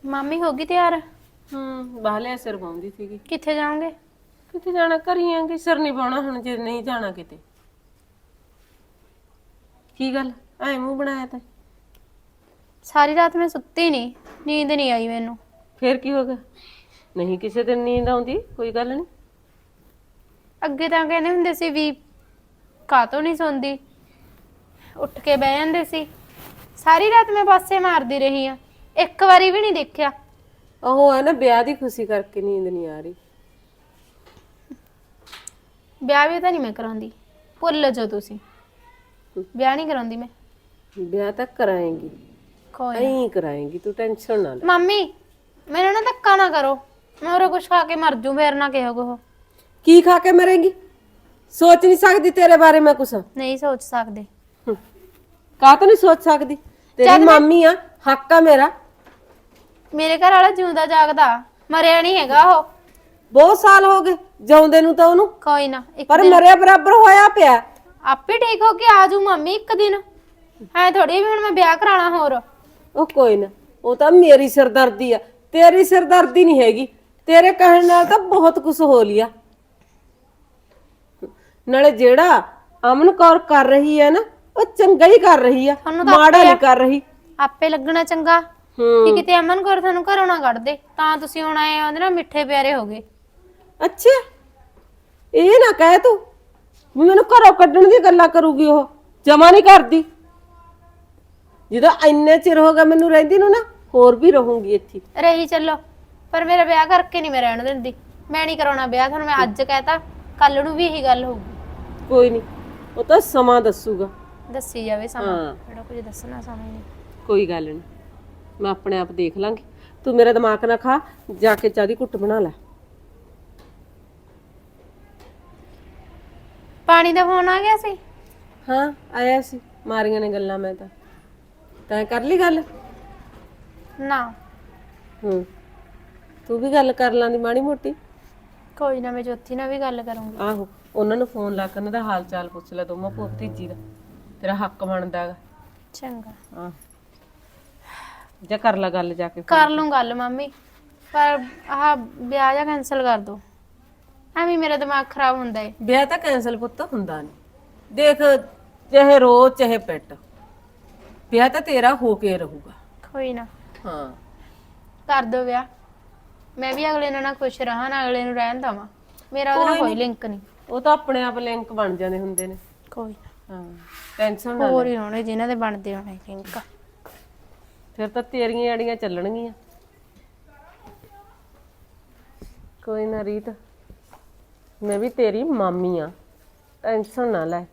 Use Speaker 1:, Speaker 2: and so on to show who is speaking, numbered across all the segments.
Speaker 1: ਮਾਮੀ ਹੋ ਗਈ ਤਿਆਰ?
Speaker 2: ਬਾਹਲੇ ਸਿਰ ਪਾਉਂਦੀ ਸੀਗੀ।
Speaker 1: ਕਿੱਥੇ ਜਾਓਗੇ?
Speaker 2: ਕਿੱਥੇ ਜਾਣਾ, ਕਰੀਆਂਗੇ ਸਿਰ ਨਹੀਂ ਪਾਉਣਾ ਹੁਣ ਜੇ ਨਹੀਂ ਜਾਣਾ ਕਿਤੇ। ਕੀ ਗੱਲ ਐ ਮੂੰਹ ਬਣਾਇਆ ਤਾਂ?
Speaker 1: ਸਾਰੀ ਰਾਤ ਮੈਂ ਸੁੱਤੀ ਨਹੀਂ, ਨੀਂਦ ਨਹੀਂ ਆਈ ਮੈਨੂੰ।
Speaker 2: ਫੇਰ ਕੀ ਹੋ ਗਿਆ? ਨਹੀਂ ਕਿਸੇ ਦਿਨ ਨੀਂਦ ਆਉਂਦੀ, ਕੋਈ ਗੱਲ ਨਹੀਂ।
Speaker 1: ਅੱਗੇ ਤਾਂ ਕਹਿੰਦੇ ਹੁੰਦੇ ਸੀ ਵੀ ਕਾਹਤੋਂ ਨਹੀਂ ਸੌਂਦੀ, ਉੱਠ ਕੇ ਬਹਿ ਜਾਂਦੇ ਸੀ। ਸਾਰੀ ਰਾਤ ਮੈਂ ਪਾਸੇ ਮਾਰਦੀ ਰਹੀ ਆ, ਇੱਕ ਵਾਰੀ ਵੀ ਨਹੀਂ ਦੇਖਿਆ।
Speaker 2: ਉਹ ਹੈ ਨਾ ਵਿਆਹ ਦੀ ਖੁਸ਼ੀ ਕਰਕੇ ਨੀਂਦ ਨਹੀਂ ਆ ਰਹੀ।
Speaker 1: ਵਿਆਹ ਵੀ ਤਾਂ ਨਹੀਂ ਮੈਂ ਕਰਾਉਂਦੀ, ਭੁੱਲ ਜਾਓ ਤੁਸੀਂ। ਵਿਆਹ ਨਹੀਂ ਕਰਾਉਂਦੀ ਮੈਂ।
Speaker 2: ਵਿਆਹ ਤਾਂ ਕਰਾਏਂਗੀ,
Speaker 1: ਕੋਈ ਨਾ।
Speaker 2: ਨਹੀਂ ਕਰਾਏਂਗੀ, ਤੂੰ ਟੈਨਸ਼ਨ ਨਾ ਲੈ।
Speaker 1: ਮੰਮੀ ਮੈਨੂੰ ਨਾ ਧੱਕਾ ਨਾ ਕਰੋ, ਮੈਂ ਹੋਰ ਕੁਛ ਖਾ ਕੇ ਮਰ ਜੂ, ਫੇਰ ਨਾ ਕਿਹੋ ਕੋ।
Speaker 2: ਕੀ ਖਾ ਕੇ ਮਰੇਂਗੀ? ਸੋਚ ਨਹੀਂ ਸਕਦੀ ਤੇਰੇ ਬਾਰੇ ਮੈਂ ਕੁਛ?
Speaker 1: ਨਹੀਂ ਸੋਚ ਸਕਦੇ।
Speaker 2: ਕਾਹ ਤੋਂ ਨਹੀਂ ਸੋਚ ਸਕਦੀ? ਤੇਰੀ ਮਾਮੀ ਆ, ਹੱਕ ਆ ਮੇਰਾ।
Speaker 1: ਮੇਰੇ ਘਰ ਵਾਲਾ ਜਿਉਂਦਾ ਜਾਗਦਾ, ਮਰਿਆ ਨਹੀਂ ਹੈਗਾ ਉਹ।
Speaker 2: ਬਹੁਤ ਸਾਲ ਹੋ ਗਏ ਜਿਉਂਦੇ ਨੂੰ ਤਾਂ ਉਹਨੂੰ।
Speaker 1: ਕੋਈ ਨਾ, ਇੱਕ
Speaker 2: ਪਰ
Speaker 1: ਦਿਨ
Speaker 2: ਮਰਿਆ ਬਰਾਬਰ ਹੋਇਆ ਪਿਆ।
Speaker 1: ਆਪੇ ਠੀਕ ਹੋ ਕੇ ਆ ਜੂ ਮੰਮੀ ਇੱਕ ਦਿਨ। ਐ ਥੋੜੀ ਵੀ ਹੁਣ ਮੈਂ ਵਿਆਹ ਕਰਾਣਾ ਹੋਰ।
Speaker 2: ਉਹ ਕੋਈ ਨਾ, ਉਹ ਤਾਂ ਮੇਰੀ ਸਿਰਦਰਦੀ ਆ, ਤੇਰੀ ਸਿਰਦਰਦੀ ਨਹੀਂ ਹੈਗੀ। ਤੇਰੇ ਕਹਿਣ ਨਾਲ ਤਾਂ ਬਹੁਤ ਕੁਝ ਹੋ ਲਿਆ। ਨਾਲੇ ਜਿਹੜਾ ਅਮਨ ਕੌਰ ਕਰ ਰਹੀ ਹੈ ਨਾ, ਉਹ ਚੰਗਾ ਹੀ ਕਰ ਰਹੀ ਆ, ਮਾੜਾ ਨਹੀਂ ਕਰ ਰਹੀ।
Speaker 1: ਆਪੇ ਲੱਗਣਾ ਚੰਗਾ ਕਿ ਕਿਤੇ ਅਮਨ ਕੌਰ ਤੁਹਾਨੂੰ ਘਰੋਂ ਨਾ ਕੱਢ ਦੇ, ਤਾਂ ਤੁਸੀਂ ਹੁਣ ਆਏ ਉਹਦੇ ਨਾਲ ਮਿੱਠੇ ਪਿਆਰੇ ਹੋ ਗਏ।
Speaker 2: ਅੱਛਾ, ਇਹ ਨਾ ਕਹਿ ਤੂੰ ਵੀ ਮੈਨੂੰ ਘਰੋਂ ਕੱਢਣ ਦੀ ਗੱਲਾਂ ਕਰੂਗੀ। ਉਹ ਜਮਾ ਨਹੀਂ ਕਰਦੀ। ਜਦੋਂ ਇੰਨੇ ਚਿਰ ਹੋ ਗਿਆ ਮੈਨੂੰ ਰਹਿੰਦੀ ਨੂੰ ਨਾ, ਹੋਰ ਵੀ ਰਹੂੰਗੀ ਇੱਥੇ।
Speaker 1: ਰਹੀ ਚੱਲੋ, ਪਰ ਮੇਰਾ ਵਿਆਹ ਕਰਕੇ ਨਹੀਂ ਮੈਂ ਰਹਿਣ ਦਿੰਦੀ। ਮੈਂ ਨਹੀਂ ਕਰਾਉਣਾ ਵਿਆਹ, ਤੁਹਾਨੂੰ ਮੈਂ ਅੱਜ ਕਹਿਤਾ, ਕੱਲ ਨੂੰ ਵੀ ਇਹੀ ਗੱਲ ਹੋਊਗੀ।
Speaker 2: ਕੋਈ ਨਹੀਂ, ਉਹ ਤਾਂ ਸਮਾਂ ਦੱਸੂਗਾ।
Speaker 1: ਦੱਸੀ ਜਾਵੇ ਸਮਾਂ, ਜਿਹੜਾ ਕੁਝ ਦੱਸਣਾ ਸਮਝ ਨਹੀਂ।
Speaker 2: ਕੋਈ ਗੱਲ ਨਹੀਂ, ਮੈਂ ਆਪਣੇ ਆਪ ਦੇਖ ਲਾਂਗੀ। ਤੂੰ ਮੇਰਾ ਦਿਮਾਗ ਨਾ ਖਾ, ਜਾ ਕੇ ਚਾਹ ਦੀ ਘੁੱਟ ਬਣਾ ਲੈ।
Speaker 1: ਪਾਣੀ ਦਾ ਫੋਨ ਆ ਗਿਆ ਸੀ?
Speaker 2: ਹਾਂ ਆਇਆ ਸੀ, ਮਾਰੀਆਂ ਨੇ ਗੱਲਾਂ। ਮੈਂ ਤਾਂ ਕਰ ਲਈ ਗੱਲ?
Speaker 1: ਨਾ।
Speaker 2: ਤੂੰ ਵੀ ਗੱਲ ਕਰ ਲਾਂਦੀ ਮਾੜੀ ਮੋਟੀ।
Speaker 1: ਕੋਈ ਨਾ, ਮੈਂ ਜੋਤੀ ਨਾਲ ਵੀ ਗੱਲ ਕਰੂੰਗੀ।
Speaker 2: ਆਹੋ, ਉਹਨਾਂ ਨੂੰ ਫੋਨ ਲਾ ਕੇ ਉਹਨਾਂ ਦਾ ਹਾਲ ਚਾਲ ਪੁੱਛ ਲੈ, ਦੋਵਾਂ ਭਤੀਜੀ ਦਾ। ਤੇਰਾ ਹੱਕ ਬਣਦਾ ਹੈਗਾ।
Speaker 1: ਚੰਗਾ,
Speaker 2: ਹਾਂ ਜਾ ਕਰ ਲੈ ਗੱਲ ਜਾ ਕੇ।
Speaker 1: ਕਰ ਲੂੰ ਗੱਲ ਮੰਮੀ, ਪਰ ਆਹ ਵਿਆਹ ਜਾਂ ਕੈਨਸਲ ਕਰ ਦੋ। ਐਵੇਂ ਮੇਰਾ ਦਿਮਾਗ ਖਰਾਬ ਹੁੰਦਾ ਏ।
Speaker 2: ਵਿਆਹ ਤਾਂ ਕੈਨਸਲ ਪੁੱਤ ਹੁੰਦਾ ਨਹੀਂ। ਦੇਖ, ਚਾਹੇ ਰੋ ਚਾਹੇ ਪਿੱਟ, ਵਿਆਹ ਤਾਂ ਤੇਰਾ ਹੋ ਕੇ ਰਹੂਗਾ।
Speaker 1: ਕੋਈ ਨਾ,
Speaker 2: ਹਾਂ
Speaker 1: ਕਰ ਦੋ ਵਿਆਹ। ਮੈਂ ਵੀ ਅਗਲੇ ਨਾਲ ਨਾ ਖੁਸ਼ ਰਹਾਂ, ਨਾ ਅਗਲੇ ਨੂੰ ਰਹਿਣ ਦਵਾਂ। ਮੇਰਾ ਉਹਦੇ ਨਾਲ ਕੋਈ ਲਿੰਕ ਨਹੀਂ।
Speaker 2: ਉਹ ਤਾਂ ਆਪਣੇ ਆਪ ਲਿੰਕ ਬਣ ਜਾਂਦੇ ਹੁੰਦੇ ਨੇ।
Speaker 1: ਕੋਈ ਨਾ,
Speaker 2: ਹਾਂ ਟੈਨਸ਼ਨ ਨਾ
Speaker 1: ਹੋਰ
Speaker 2: ਲੈ।
Speaker 1: ਹੀ ਹੋਣੇ ਜਿਨ੍ਹਾਂ ਦੇ ਬਣਦੇ ਹੋਣੇ ਲਿੰਕ।
Speaker 2: ਫਿਰ ਤਾਂ ਤੇਰੀਆਂ ਆੜੀਆਂ ਚੱਲਣਗੀਆਂ। ਕੋਈ ਨਾ ਰੀਤ, ਮੈਂ ਵੀ ਤੇਰੀ ਮਾਮੀ ਆ, ਟੈਨਸ਼ਨ ਨਾ ਲੈ।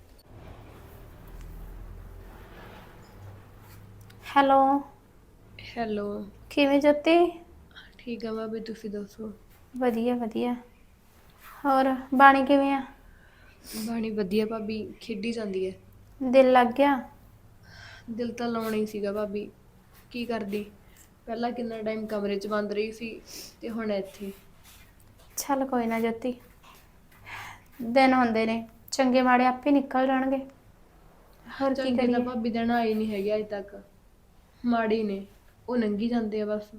Speaker 1: ਹੈਲੋ।
Speaker 3: ਹੈਲੋ।
Speaker 1: ਕਿਵੇਂ ਜੋਤੀ?
Speaker 3: ਠੀਕ ਆ ਭਾਬੀ, ਤੁਸੀਂ ਦੱਸੋ?
Speaker 1: ਵਧੀਆ ਵਧੀਆ। ਹੋਰ ਬਾਣੀ ਕਿਵੇਂ ਆ?
Speaker 3: ਬਾਣੀ ਵਧੀਆ ਭਾਬੀ, ਖੇਡੀ ਜਾਂਦੀ ਹੈ।
Speaker 1: ਦਿਲ ਲੱਗ ਗਿਆ?
Speaker 3: ਦਿਲ ਤਾਂ ਲਾਉਣਾ ਹੀ ਸੀਗਾ ਭਾਬੀ, ਕੀ ਕਰਦੀ। ਪਹਿਲਾਂ ਕਿੰਨਾ ਟਾਈਮ ਕਮਰੇ 'ਚ ਬੰਦ ਰਹੀ ਸੀ ਤੇ ਹੁਣ ਇੱਥੇ।
Speaker 1: ਚੱਲ ਕੋਈ ਨਾ ਜੋਤੀ, ਦਿਨ ਹੁੰਦੇ ਨੇ, ਚੰਗੇ ਮਾੜੇ ਆਪੇ ਨਿਕਲ ਜਾਣਗੇ। ਹੋਰ ਕੀ
Speaker 3: ਚੰਗੇ ਤਾਂ
Speaker 1: ਕਰੀਏ?
Speaker 3: ਭਾਬੀ ਦਿਨ ਆਏ ਨਹੀਂ ਹੈਗੇ ਅਜੇ ਤੱਕ, ਮਾੜੇ ਨੇ, ਉਹ ਲੰਘੀ ਜਾਂਦੇ ਆ ਬਸ।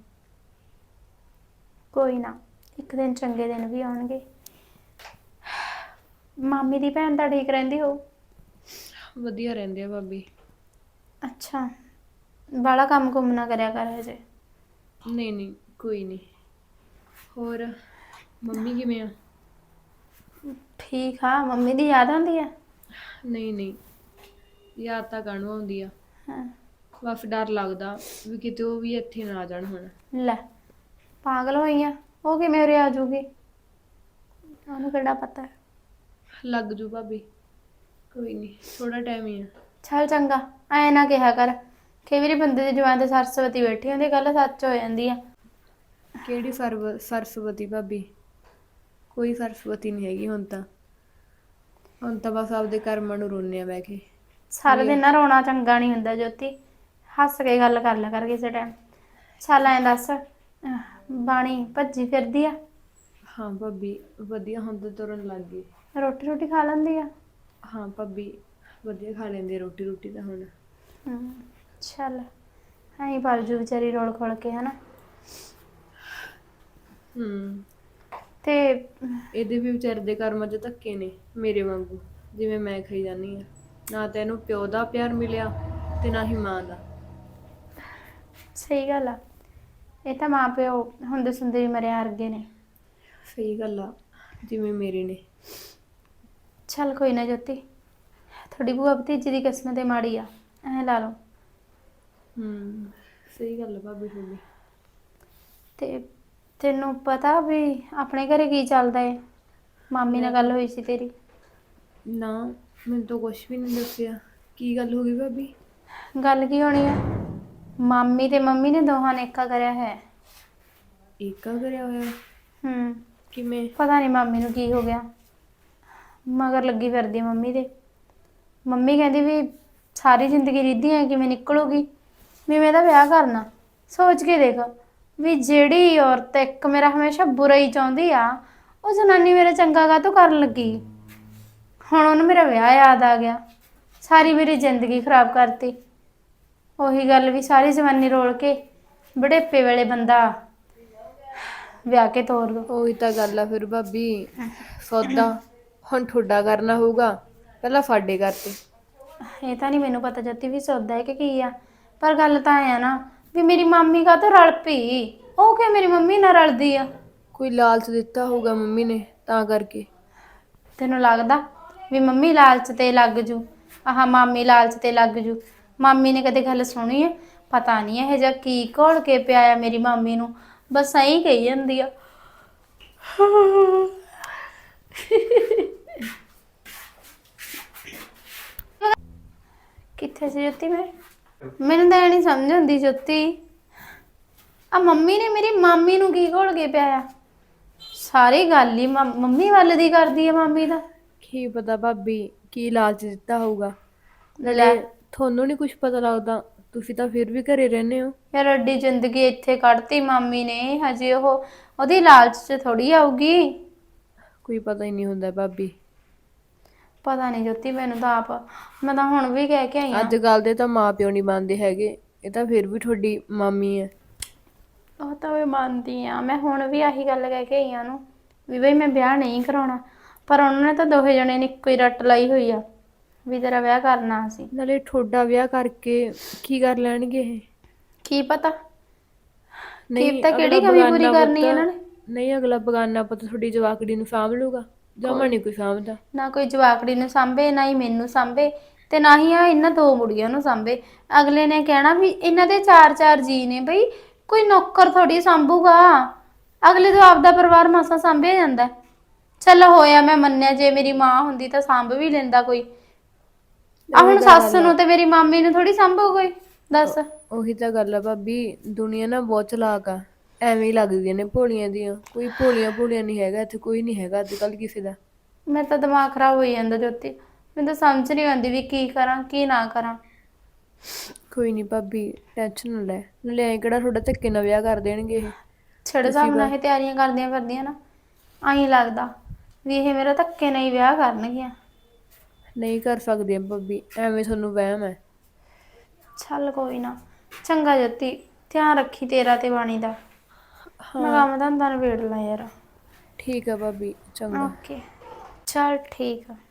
Speaker 1: ਕੋਈ ਨਾ, ਇੱਕ ਦਿਨ ਚੰਗੇ ਦਿਨ ਵੀ ਆਉਣਗੇ। ਮਾਮੀ ਦੀ ਭੈਣ ਤਾਂ ਠੀਕ ਰਹਿੰਦੀ ਹੋਊ?
Speaker 3: ਵਧੀਆ ਰਹਿੰਦੇ ਆ ਭਾਬੀ।
Speaker 1: ਅੱਛਾ, ਬਾਹਲਾ ਕੰਮ ਕੁੰਮ ਨਾ ਕਰਿਆ ਕਰ ਹਜੇ।
Speaker 3: ਨਹੀਂ ਨਹੀਂ, ਕੋਈ ਨਹੀਂ। ਹੋਰ ਮੰਮੀ ਕਿਵੇਂ ਆ?
Speaker 1: ਠੀਕ ਆ। ਮੰਮੀ ਦੀ ਯਾਦ ਆਉਂਦੀ ਆ?
Speaker 3: ਨਹੀਂ ਨਹੀਂ, ਯਾਦ ਤਾਂ ਕਾਹਨੂੰ ਆਉਂਦੀ ਆ।
Speaker 1: ਹਾਂ।
Speaker 3: ਬਸ ਡਰ ਲੱਗਦਾ ਵੀ ਕਿਤੇ ਉਹ ਵੀ ਇੱਥੇ ਨਾ ਆ ਜਾਣ ਹੁਣ।
Speaker 1: ਲੈ, ਪਾਗਲ ਹੋਈ ਆ? ਉਹ ਕਿਵੇਂ ਉਰੇ ਆ ਜੂਗੀ? ਉਹਨੂੰ ਕਿਹੜਾ ਪਤਾ।
Speaker 3: ਲੱਗ ਜੂ ਭਾਬੀ, ਕੋਈ ਨਹੀਂ, ਥੋੜਾ ਟਾਈਮ ਹੀ ਆ।
Speaker 1: ਚੱਲ ਚੰਗਾ, ਐ ਨਾ ਕਿਹਾ ਕਰ। ਕਈ ਵਾਰੀ ਬੰਦੇ ਦੀ ਜੁਬਾਨ ਤੇ ਸਰਸਵਤੀ ਬੈਠੀ ਹੁੰਦੀ, ਗੱਲ ਸੱਚ ਹੋ ਜਾਂਦੀ ਆ।
Speaker 3: ਕਿਹੜੀ ਸਰਸਵਤੀ ਭਾਬੀ? ਕੋਈ ਸਰਸਵਤੀ ਨਹੀਂ ਹੈਗੀ ਹੁਣ ਤਾਂ। ਹੁਣ ਤਾਂ ਬਸ ਆਪਦੇ ਕਰਮਾਂ ਨੂੰ ਰੋਂਦੇ ਆ ਬਹਿ ਕੇ।
Speaker 1: ਸਾਰਾ ਦਿਨ ਨਾ ਰੋਣਾ ਚੰਗਾ ਨਹੀਂ ਹੁੰਦਾ ਜੋਤੀ, ਹੱਸ ਕੇ ਗੱਲ ਕਰ ਲਿਆ ਕਰ ਕਿਸੇ ਟਾਈਮ। ਚੱਲ ਐਂ ਦੱਸ, ਬਾਣੀ ਭੱਜੀ ਫਿਰਦੀ ਆ?
Speaker 3: ਹਾਂ ਭਾਬੀ, ਵਧੀਆ, ਹੁਣ ਤਾਂ ਤੁਰਨ ਲੱਗ ਗਈ।
Speaker 1: ਰੋਟੀ ਰੋਟੀ ਖਾ ਲੈਂਦੀ ਆ?
Speaker 3: ਹਾਂ ਭਾਬੀ, ਵਧੀਆ ਖਾ ਲੈਂਦੀ ਆ ਰੋਟੀ। ਰੋਟੀ ਤਾਂ ਹੁਣ।
Speaker 1: ਚੱਲ ਐਂ ਪਲ ਜੂ ਵਿਚਾਰੀ ਰੋਲ ਖੋਲ ਕੇ, ਹਨਾ।
Speaker 3: ਹੂੰ
Speaker 1: ਤੇ
Speaker 3: ਇਹਦੇ ਵੀ ਵਿਚਾਰੇ ਦੇ ਕਰਮਾਂ 'ਚ ਧੱਕੇ ਨੇ ਮੇਰੇ ਵਾਂਗੂ, ਜਿਵੇਂ ਮੈਂ ਖਾਈ ਜਾਂਦੀ ਆ। ਨਾ ਤਾਂ ਇਹਨੂੰ ਪਿਓ ਦਾ ਪਿਆਰ ਮਿਲਿਆ ਤੇ ਨਾ ਹੀ ਮਾਂ ਦਾ।
Speaker 1: ਸਹੀ ਗੱਲ ਆ, ਇਹ ਤਾਂ ਮਾਂ ਪਿਓ ਹੁੰਦੇ ਸੁੰਦੇ ਵੀ ਮਰਿਆ ਵਰਗੇ ਨੇ।
Speaker 3: ਸਹੀ ਗੱਲ ਆ, ਜਿਵੇਂ ਮੇਰੇ ਨੇ।
Speaker 1: ਚੱਲ ਕੋਈ ਨਾ ਜੋਤੀ, ਤੁਹਾਡੀ ਭੂਆ ਭਤੀਜੀ ਦੀ ਕਿਸਮਤ ਤੇ ਮਾੜੀ ਆ, ਐਂ ਲਾ ਲਓ।
Speaker 3: ਸਹੀ ਗੱਲ ਆ ਭਾਬੀ ਤੁਹਾਡੀ।
Speaker 1: ਤੇ ਤੈਨੂੰ ਪਤਾ ਵੀ ਆਪਣੇ ਘਰੇ ਕੀ ਚੱਲਦਾ ਏ? ਮਾਮੀ ਨਾਲ ਗੱਲ ਹੋਈ ਸੀ ਤੇਰੀ?
Speaker 3: ਨਾ, ਮੈਨੂੰ ਤਾਂ ਕੁਛ ਵੀ ਨਹੀਂ ਦੱਸਿਆ। ਕੀ ਗੱਲ ਹੋ ਗਈ ਭਾਬੀ?
Speaker 1: ਗੱਲ ਕੀ ਹੋਣੀ ਆ, ਮਾਮੀ ਤੇ ਮੰਮੀ ਨੇ ਦੋਹਾਂ ਨੇ ਏਕਾ ਕਰਿਆ ਹੈ।
Speaker 3: ਏਕਾ ਕਰਿਆ ਹੋਇਆ? ਕਿਵੇਂ?
Speaker 1: ਪਤਾ ਨਹੀਂ ਮਾਮੀ ਨੂੰ ਕੀ ਹੋ ਗਿਆ, ਮਗਰ ਲੱਗੀ ਫਿਰਦੀ ਮੰਮੀ ਦੇ। ਮੰਮੀ ਕਹਿੰਦੀ ਵੀ ਸਾਰੀ ਜ਼ਿੰਦਗੀ ਰੀਧੀਆਂ ਕਿਵੇਂ ਨਿਕਲੂਗੀ, ਵੀ ਮੈਂ ਇਹਦਾ ਵਿਆਹ ਕਰਨਾ। ਸੋਚ ਕੇ ਦੇਖ ਵੀ ਜਿਹੜੀ ਔਰਤ ਇੱਕ ਮੇਰਾ ਹਮੇਸ਼ਾ ਬੁਰਾ ਹੀ ਚਾਹੁੰਦੀ ਆ, ਉਹ ਜਨਾਨੀ ਮੇਰਾ ਚੰਗਾ ਕਾਹਤੋਂ ਕਰਨ ਲੱਗੀ। ਹੁਣ ਉਹਨੂੰ ਮੇਰਾ ਵਿਆਹ ਯਾਦ ਆ ਗਿਆ, ਸਾਰੀ ਮੇਰੀ ਜ਼ਿੰਦਗੀ ਖਰਾਬ ਕਰਤੀ। ਉਹੀ ਗੱਲ ਵੀ ਸਾਰੀ ਜਵਾਨੀ ਰੋਲ ਕੇ ਬੁਢੇਪੇ ਵੇਲੇ ਬੰਦਾ ਵਿਆਹ ਕੇ ਤੋਰ ਦੋ।
Speaker 3: ਉਹੀ ਤਾਂ ਗੱਲ ਆ ਫਿਰ ਭਾਬੀ, ਸੌਦਾ ਹੁਣ ਠੋਡਾ ਕਰਨਾ ਹੋਊਗਾ, ਪਹਿਲਾਂ ਸਾਡੇ ਕਰਤੇ।
Speaker 1: ਇਹ ਤਾਂ ਨਹੀਂ ਮੈਨੂੰ ਪਤਾ ਜੱਤੀ ਵੀ ਸੌਦਾ ਹੈ ਕਿ ਕੀ ਆ, ਪਰ ਗੱਲ ਤਾਂ ਐ ਨਾ ਵੀ ਮੇਰੀ ਮਾਮੀ ਕਾਹਤੋਂ ਰਲ ਪਈ। ਉਹ ਕਿ ਮੇਰੀ ਮੰਮੀ ਨਾਲ ਰਲਦੀ ਆ।
Speaker 3: ਕੋਈ ਲਾਲਚ ਦਿੱਤਾ ਹੋਊਗਾ ਮੰਮੀ ਨੇ, ਤਾਂ ਕਰਕੇ।
Speaker 1: ਤੈਨੂੰ ਲੱਗਦਾ ਵੀ ਮੰਮੀ ਲਾਲਚ ਤੇ ਲੱਗ ਜੂ, ਆਹ ਮਾਮੀ ਲਾਲਚ ਤੇ ਲੱਗ ਜੂ? ਮਾਮੀ ਨੇ ਕਦੇ ਗੱਲ ਸੁਣੀ ਹੈ? ਪਤਾ ਨਹੀਂ ਇਹੋ ਜਿਹਾ ਕੀ ਘੋਲ ਕੇ ਪਿਆ ਆ ਮੇਰੀ ਮਾਮੀ ਨੂੰ, ਬਸ ਐਂ ਕਹੀ ਜਾਂਦੀ ਆ। ਕਿੱਥੇ ਸੀ ਜੋਤੀ? ਮੈਨੂੰ ਤਾਂ ਇਹ ਨਹੀਂ ਸਮਝ ਆਉਂਦੀ ਜੋਤੀ, ਆ ਮੰਮੀ ਨੇ ਮੇਰੀ ਮਾਮੀ ਨੂੰ ਕੀ ਘੋਲ ਕੇ ਪਿਆ ਆ? ਸਾਰੀ ਗੱਲ ਹੀ ਮੰਮੀ ਵੱਲ ਦੀ ਕਰਦੀ ਆ ਮਾਮੀ ਦਾ।
Speaker 3: ਕੀ ਪਤਾ ਭਾਬੀ ਕੀ ਲਾਲਚ ਦਿੱਤਾ ਹੋਊਗਾ।
Speaker 1: ਲੈ
Speaker 3: ਨਾਲੇ ਤੁਹਾਨੂੰ ਨਹੀਂ ਕੁਝ ਪਤਾ ਲੱਗਦਾ, ਤੁਸੀਂ ਤਾਂ ਫਿਰ ਵੀ ਘਰੇ ਰਹਿੰਦੇ ਹੋ।
Speaker 1: ਯਾਰ ਅੱਡੀ ਜ਼ਿੰਦਗੀ ਇੱਥੇ ਕੱਢਤੀ ਮਾਮੀ ਨੇ, ਹਜੇ ਉਹਦੀ ਲਾਲਚ 'ਚ ਥੋੜੀ ਆਊਗੀ।
Speaker 3: ਕੋਈ ਪਤਾ ਹੀ ਨਹੀਂ ਹੁੰਦਾ ਭਾਬੀ।
Speaker 1: ਪਤਾ ਨਹੀਂ ਜੋਤੀ, ਮੈਨੂੰ ਤਾਂ ਆਪ, ਮੈਂ ਤਾਂ ਹੁਣ ਵੀ ਕਹਿ ਕੇ ਆਈ ਆ।
Speaker 3: ਅੱਜ ਕੱਲ ਦੇ ਤਾਂ ਮਾਂ ਪਿਓ ਨਹੀਂ ਮੰਨਦੇ ਹੈਗੇ, ਇਹ ਤਾਂ ਫਿਰ ਵੀ ਤੁਹਾਡੀ ਮਾਮੀ ਹੈ।
Speaker 1: ਉਹ ਤਾਂ ਮੈਂ ਮੰਨਦੀ ਆ, ਮੈਂ ਹੁਣ ਵੀ ਆਹੀ ਗੱਲ ਕਹਿ ਕੇ ਆਈ ਆ ਉਹਨੂੰ ਵੀ ਬਈ ਮੈਂ ਵਿਆਹ ਨਹੀਂ ਕਰਾਉਣਾ, ਪਰ ਉਹਨਾਂ ਨੇ ਤਾਂ ਦੋਹੇ ਜਣੇ ਨੇ ਇੱਕੋ ਹੀ ਰੱਟ ਲਾਈ ਹੋਈ ਆ ਵੀ ਤੇਰਾ ਵਿਆਹ ਕਰਨਾ ਸੀ।
Speaker 3: ਨਾਲੇ ਤੁਹਾਡਾ ਵਿਆਹ ਕਰਕੇ ਕੀ ਕਰ ਲੈਣਗੇ ਇਹ?
Speaker 1: ਕੀ ਪਤਾ,
Speaker 3: ਨਹੀਂ
Speaker 1: ਕੀ ਪਤਾ ਕਿਹੜੀ ਕਮੀ ਪੂਰੀ ਕਰਨੀ ਹੈ ਇਹਨਾਂ ਨੇ।
Speaker 3: ਨਹੀਂ, ਅਗਲਾ ਬਗਾਨਾ ਪੁੱਤ ਤੁਹਾਡੀ ਜਵਾਕੜੀ ਨੂੰ ਸਾਂਭ ਲੂਗਾ, ਜਮਾ ਨਹੀਂ ਕੋਈ ਸਾਂਭਦਾ।
Speaker 1: ਨਾ ਕੋਈ ਜਵਾਕੜੀ ਨੂੰ ਸਾਂਭੇ, ਨਾ ਹੀ ਮੈਨੂੰ ਸਾਂਭੇ, ਤੇ ਨਾ ਹੀ ਆ ਇਹਨਾਂ ਦੋ ਮੁੜੀਆਂ ਨੂੰ ਸਾਂਭੇ। ਅਗਲੇ ਨੇ ਕਹਿਣਾ ਵੀ ਇਹਨਾਂ ਦੇ ਚਾਰ ਚਾਰ ਜੀ ਨੇ, ਬਈ ਕੋਈ ਨੌਕਰ ਥੋੜੀ ਸਾਂਭੂਗਾ। ਅਗਲੇ ਤੋਂ ਆਪਦਾ ਪਰਿਵਾਰ ਮਾਸਾ ਸਾਂਭਿਆ ਜਾਂਦਾ। ਚੱਲ ਹੋਇਆ, ਮੈਂ ਮੰਨਿਆ ਜੇ ਮੇਰੀ ਮਾਂ ਹੁੰਦੀ ਤਾਂ ਸਾਂਭ ਵੀ ਲੈਂਦਾ ਕੋਈ। ਆ ਹੁਣ ਸੱਸ ਨੂੰ ਤੇ ਮੇਰੀ ਮਾਮੀ ਨੂੰ ਥੋੜੀ ਸਾਂਭੂ ਕੋਈ, ਦੱਸ।
Speaker 3: ਉਹੀ ਤਾਂ ਗੱਲ ਆ ਭਾਬੀ, ਦੁਨੀਆ ਨਾ ਬਹੁਤ ਚਲਾਕ ਆ, ਐਵੇਂ ਹੀ ਲੱਗਦੀਆਂ ਨੇ ਭੋਲੀਆਂ ਦੀਆਂ। ਕੋਈ ਭੋਲੀਆਂ ਭੋਲੀਆਂ ਨਹੀਂ ਹੈਗਾ ਇੱਥੇ, ਕੋਈ ਨਹੀਂ ਹੈਗਾ ਅੱਜ ਕੱਲ ਕਿਸੇ ਦਾ।
Speaker 1: ਮੇਰਾ ਤਾਂ ਦਿਮਾਗ ਖਰਾਬ ਹੋਈ ਜਾਂਦਾ ਜੋਤੀ, ਮੈਨੂੰ ਤਾਂ ਸਮਝ ਨਹੀਂ ਆਉਂਦੀ ਵੀ ਕੀ ਕਰਾਂ ਕੀ ਨਾ ਕਰਾਂ।
Speaker 3: ਕੋਈ ਨਹੀਂ ਭਾਬੀ, ਟੈਨਸ਼ਨ ਨਾ ਲੈ। ਨਾਲੇ ਐਂ ਕਿਹੜਾ ਤੁਹਾਡਾ ਧੱਕੇ ਨਾਲ ਵਿਆਹ ਕਰ ਦੇਣਗੇ ਇਹ।
Speaker 1: ਛੜੇ ਹਿਸਾਬ ਨਾਲ ਇਹ ਤਿਆਰੀਆਂ ਕਰਦੀਆਂ ਫਿਰਦੀਆਂ ਨਾ, ਆਈ ਲੱਗਦਾ ਵੀ ਇਹ ਮੇਰਾ ਧੱਕੇ ਨਾਲ ਹੀ ਵਿਆਹ ਕਰਨਗੀਆਂ।
Speaker 3: ਨਹੀਂ ਕਰ ਸਕਦੀਆਂ ਭਾਬੀ, ਐਵੇਂ ਤੁਹਾਨੂੰ ਵਹਿਮ ਹੈ।
Speaker 1: ਚੱਲ ਕੋਈ ਨਾ, ਚੰਗਾ ਜੋਤੀ, ਧਿਆਨ ਰੱਖੀ ਤੇਰਾ ਤੇ ਬਾਣੀ ਦਾ। ਮੈਂ ਕੰਮ ਧੰਦਾ ਨਿਬੇੜ ਲਾਂ ਯਾਰ।
Speaker 3: ਠੀਕ ਆ ਭਾਬੀ, ਚੰਗਾ।
Speaker 1: ਓਕੇ, ਚੱਲ ਠੀਕ ਆ।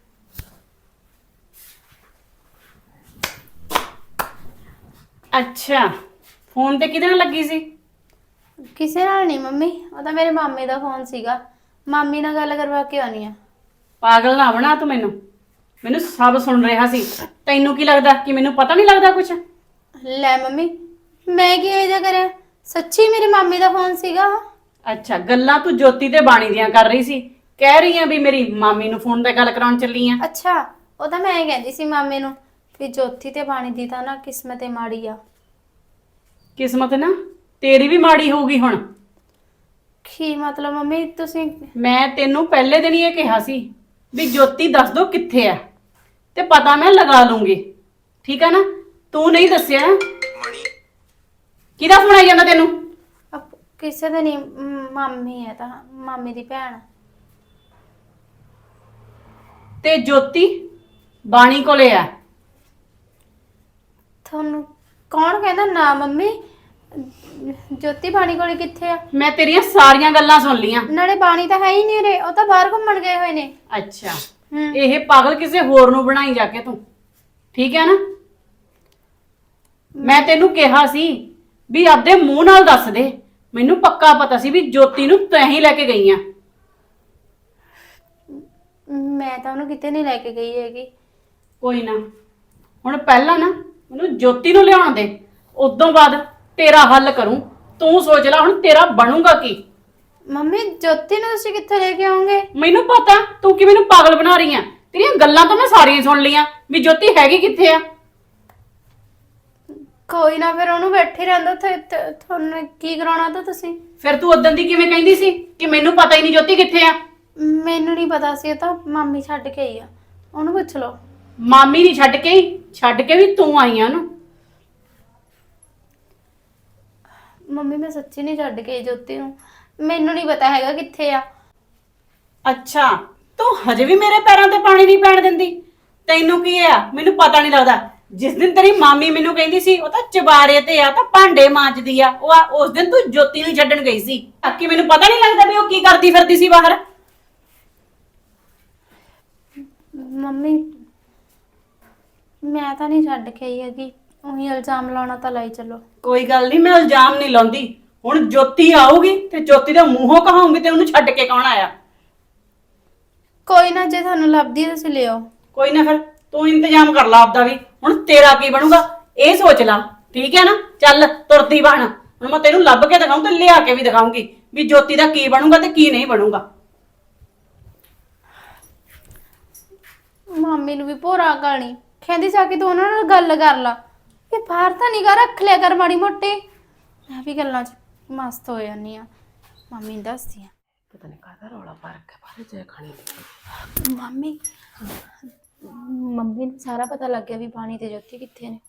Speaker 4: ਅੱਛਾ, ਫੋਨ ਤੇ ਕਿਹਦੇ ਨਾਲ ਲੱਗੀ ਸੀ?
Speaker 1: ਕਿਸੇ ਨਾਲ ਨਹੀਂ ਮੰਮੀ, ਉਹ ਤਾਂ ਮੇਰੇ ਮਾਮੇ ਦਾ ਫੋਨ ਸੀਗਾ। ਮਾਮੀ ਨਾਲ ਗੱਲ ਕਰਵਾ ਕੇ ਆਉਣੀ ਆ।
Speaker 4: ਪਾਗਲ ਨਾ ਬਣਾ ਤੂੰ ਮੈਨੂੰ, ਮੈਨੂੰ ਸਭ ਸੁਣ ਰਿਹਾ ਸੀ। ਤੈਨੂੰ ਕੀ ਲੱਗਦਾ ਕਿ ਮੈਨੂੰ ਪਤਾ ਨਹੀਂ ਲੱਗਦਾ ਕੁਝ?
Speaker 1: ਲੈ ਮੰਮੀ, ਮੈਂ ਕੀ ਇਹੋ ਜਿਹਾ ਕਰਿਆ? ਸੱਚੀ ਮੇਰੇ ਮਾਮੇ ਦਾ ਫੋਨ ਸੀਗਾ।
Speaker 4: ਅੱਛਾ, ਗੱਲਾਂ ਤੂੰ ਜੋਤੀ ਤੇ ਬਾਣੀ ਦੀਆਂ ਕਰ ਰਹੀ ਸੀ। ਕਹਿ ਰਹੀ ਆ ਵੀ ਮੇਰੀ ਮਾਮੀ ਨੂੰ ਫੋਨ ਤੇ ਗੱਲ ਕਰਾਉਣ ਚੱਲੀ ਆ।
Speaker 1: ਅੱਛਾ, ਉਹ ਤਾਂ ਮੈਂ ਕਹਿੰਦੀ ਸੀ ਮਾਮੇ ਨੂੰ ਵੀ ਜੋਤੀ ਤੇ ਬਾਣੀ ਦੀ ਤਾਂ ਨਾ ਕਿਸਮਤ ਏ ਮਾੜੀ ਆ।
Speaker 4: ਕਿਸਮਤ ਨਾ ਤੇਰੀ ਵੀ ਮਾੜੀ ਹੋਊਗੀ ਹੁਣ।
Speaker 1: ਕੀ ਮਤਲਬ ਮੰਮੀ ਤੁਸੀਂ?
Speaker 4: ਮੈਂ ਤੈਨੂੰ ਪਹਿਲੇ ਦਿਨ ਹੀ ਇਹ ਕਿਹਾ ਸੀ ਵੀ ਜੋਤੀ ਦੱਸ ਦੋ ਕਿੱਥੇ ਆ, ਤੇ ਪਤਾ ਮੈਂ ਲਗਾ ਲੂੰਗੀ। ਠੀਕ ਆ ਨਾ? ਤੂੰ ਨਹੀਂ ਦੱਸਿਆ। ਕਿਹਦਾ ਫੋਨ ਆਈ ਜਾਂਦਾ ਤੈਨੂੰ?
Speaker 1: ਕਿਸੇ ਦਾ ਨਹੀਂ, ਮਾਮੀ ਹੈ ਤਾਂ ਮਾਮੀ ਦੀ ਭੈਣ।
Speaker 4: ਤੇ ਜੋਤੀ ਬਾਣੀ ਕੋਲੇ ਆ।
Speaker 1: ਤੁਹਾਨੂੰ ਕੌਣ ਕਹਿੰਦਾ? ਨਾ ਮੰਮੀ, ਜੋਤੀ ਬਾਣੀ ਕੋਲੇ ਕਿੱਥੇ ਆ?
Speaker 4: ਮੈਂ ਤੇਰੀਆਂ ਸਾਰੀਆਂ ਗੱਲਾਂ ਸੁਣ ਲੀਆਂ।
Speaker 1: ਨਾਲੇ ਬਾਣੀ ਤਾਂ ਹੈ ਹੀ ਨਹੀਂ ਰੇ, ਉਹ ਤਾਂ ਬਾਹਰ ਘੁੰਮਣ ਗਏ ਹੋਏ ਨੇ।
Speaker 4: ਅੱਛਾ, ਇਹ ਪਾਗਲ ਕਿਸੇ ਹੋਰ ਨੂੰ ਬਣਾਈ ਜਾ ਕੇ ਤੂੰ, ਠੀਕ ਹੈ ਨਾ? ਮੈਂ ਤੈਨੂੰ ਕਿਹਾ ਸੀ ਵੀ ਆਪਦੇ ਮੂੰਹ ਨਾਲ ਦੱਸ ਦੇ, ਮੈਨੂੰ ਪੱਕਾ ਪਤਾ ਸੀ ਵੀ ਜੋਤੀ ਨੂੰ ਤੈਂ ਹੀ ਲੈ ਕੇ ਗਈ ਆ।
Speaker 1: ਮੈਂ ਤਾਂ ਉਹਨੂੰ ਕਿਤੇ ਨਹੀਂ ਲੈ ਕੇ ਗਈ ਹੈਗੀ।
Speaker 4: ਕੋਈ ਨਾ, ਹੁਣ ਪਹਿਲਾਂ ਨਾ ਮੈਨੂੰ ਜੋਤੀ ਨੂੰ ਲਿਆਉਣ ਦੇ, ਉਦੋਂ ਬਾਅਦ ਤੇਰਾ ਹੱਲ ਕਰੂੰ। ਤੂੰ ਸੋਚ ਲੈ ਹੁਣ ਤੇਰਾ ਬਣੂਗਾ ਕੀ।
Speaker 1: ਮੰਮੀ ਜੋਤੀ ਨੂੰ ਤੁਸੀਂ ਕਿੱਥੇ ਲੈ ਕੇ ਆਉਂਗੇ?
Speaker 4: ਮੈਨੂੰ ਪਤਾ ਤੂੰ ਕਿ ਮੈਨੂੰ ਪਾਗਲ ਬਣਾ ਰਹੀ ਆ। ਤੇਰੀਆਂ ਗੱਲਾਂ ਤਾਂ ਮੈਂ ਸਾਰੀਆਂ ਸੁਣ ਲਈਆਂ ਵੀ ਜੋਤੀ ਹੈਗੀ ਕਿੱਥੇ ਆ।
Speaker 1: ਕੋਈ ਨਾ, ਫਿਰ ਉਹਨੂੰ ਬੈਠੇ ਰਹਿੰਦਾ ਉੱਥੇ। ਤੁਹਾਨੂੰ ਕੀ ਕਰਾਉਣਾ ਤਾਂ ਤੁਸੀਂ?
Speaker 4: ਫਿਰ ਤੂੰ ਉਦੋਂ ਦੀ ਕਿਵੇਂ ਕਹਿੰਦੀ ਸੀ ਕਿ ਮੈਨੂੰ ਪਤਾ ਹੀ ਨਹੀਂ ਜੋਤੀ ਕਿੱਥੇ ਆ?
Speaker 1: ਮੈਨੂੰ ਨਹੀਂ ਪਤਾ ਸੀ, ਉਹ ਤਾਂ ਮਾਮੀ ਛੱਡ ਕੇ ਆਈ ਆ, ਉਹਨੂੰ ਪੁੱਛ ਲਓ।
Speaker 4: ਮਾਮੀ ਨਹੀਂ ਛੱਡ ਕੇ ਹੀ, ਛੱਡ ਕੇ ਵੀ ਤੂੰ ਆਈ ਆ ਉਹਨੂੰ।
Speaker 1: ਮੰਮੀ ਮੈਂ ਸੱਚੀ ਨਹੀਂ ਛੱਡ ਕੇ ਆਈ ਜੋਤੀ ਨੂੰ, ਮੈਨੂੰ ਨਹੀਂ ਪਤਾ ਹੈਗਾ ਕਿੱਥੇ ਆ।
Speaker 4: ਅੱਛਾ, ਤੂੰ ਹਜੇ ਵੀ ਮੇਰੇ ਪੈਰਾਂ ਤੇ ਪਾਣੀ ਨਹੀਂ ਪੈਣ ਦਿੰਦੀ? ਤੈਨੂੰ ਕੀ ਆ ਮੈਨੂੰ ਪਤਾ ਨਹੀਂ ਲੱਗਦਾ। ਜਿਸ ਦਿਨ ਤੇਰੀ ਮਾਮੀ ਮੈਨੂੰ ਕਹਿੰਦੀ ਸੀ ਉਹ ਤਾਂ ਚਬਾਰੇ ਤੇ ਆ, ਤਾਂ ਭਾਂਡੇ ਮਾਂਜਦੀ ਆ, ਉਸ ਦਿਨ ਤੂੰ ਜੋਤੀ ਨੂੰ ਛੱਡਣ ਗਈ ਸੀ। ਕਿ ਮੈਨੂੰ ਪਤਾ ਨਹੀਂ ਲੱਗਦਾ ਵੀ ਉਹ ਕੀ ਕਰਦੀ ਫਿਰਦੀ ਸੀ ਬਾਹਰ?
Speaker 1: ਮੰਮੀ ਮੈਂ ਤਾਂ ਨਹੀਂ ਛੱਡ ਕੇ ਆਈ ਹੈਗੀ, ਉਹੀ ਇਲਜ਼ਾਮ ਲਾਉਣਾ ਤਾਂ ਲਾਈ ਚਲੋ।
Speaker 4: ਕੋਈ ਗੱਲ ਨਹੀਂ, ਮੈਂ ਇਲਜ਼ਾਮ ਨਹੀਂ ਲਾਉਂਦੀ। ਹੁਣ ਜੋਤੀ ਆਊਗੀ ਤੇ ਜੋਤੀ ਦੇ ਮੂੰਹੋਂ ਕਹਾਉਂਗੀ ਤੇ ਉਹਨੂੰ ਛੱਡ ਕੇ ਕੌਣ ਆਇਆ।
Speaker 1: ਕੋਈ ਨਾ, ਜੇ ਤੁਹਾਨੂੰ ਲੱਭਦੀ ਹੈ ਤੁਸੀਂ ਲਿਓ।
Speaker 4: ਕੋਈ ਨਾ, ਫਿਰ ਤੂੰ ਇੰਤਜ਼ਾਮ ਕਰ ਲਾ ਆਪਦਾ ਵੀ। ਹੁਣ ਤੇਰਾ ਕੀ ਬਣੂਗਾ ਇਹ ਸੋਚ ਲਾ, ਠੀਕ ਹੈ ਨਾ? ਚੱਲ ਤੁਰਦੀ ਬਣ, ਹੁਣ ਮੈਂ ਤੈਨੂੰ ਲੱਭ ਕੇ ਦਿਖਾਉਂ ਤੇ ਲਿਆ ਕੇ ਵੀ ਦਿਖਾਉਂਗੀ ਵੀ ਜੋਤੀ ਦਾ ਕੀ ਬਣੂਗਾ ਤੇ ਕੀ ਨਹੀਂ ਬਣੂਗਾ।
Speaker 1: ਮਾਮੀ ਨੂੰ ਵੀ ਭੋਰਾ ਗਾਣੀ ਕਹਿੰਦੀ ਜਾ ਕੇ ਤੂੰ ਉਹਨਾਂ ਨਾਲ ਗੱਲ ਕਰ ਲਾ, ਇਹ ਬਾਹਰ ਤਾਂ ਨਿਗਾ ਰੱਖ ਲਿਆ ਕਰ ਮਾੜੀ ਮੋਟੀ। ਮੈਂ ਵੀ ਗੱਲਾਂ 'ਚ ਮਸਤ ਹੋ ਜਾਂਦੀ ਆ, ਮਾਮੀ ਨੂੰ ਦੱਸਦੀ ਆ।
Speaker 2: ਪਤਾ ਨਹੀਂ ਕਾਹਦਾ ਰੌਲਾ ਪਾ ਰੱਖਿਆ ਬਾਹਰ ਜਾ ਖਾਣੀ ਦੀ।
Speaker 1: ਮੰਮੀ ਮੰਮੀ ਨੂੰ ਸਾਰਾ ਪਤਾ ਲੱਗ ਗਿਆ ਵੀ ਬਾਣੀ ਤੇ ਜੋਤੀ ਕਿੱਥੇ ਨੇ।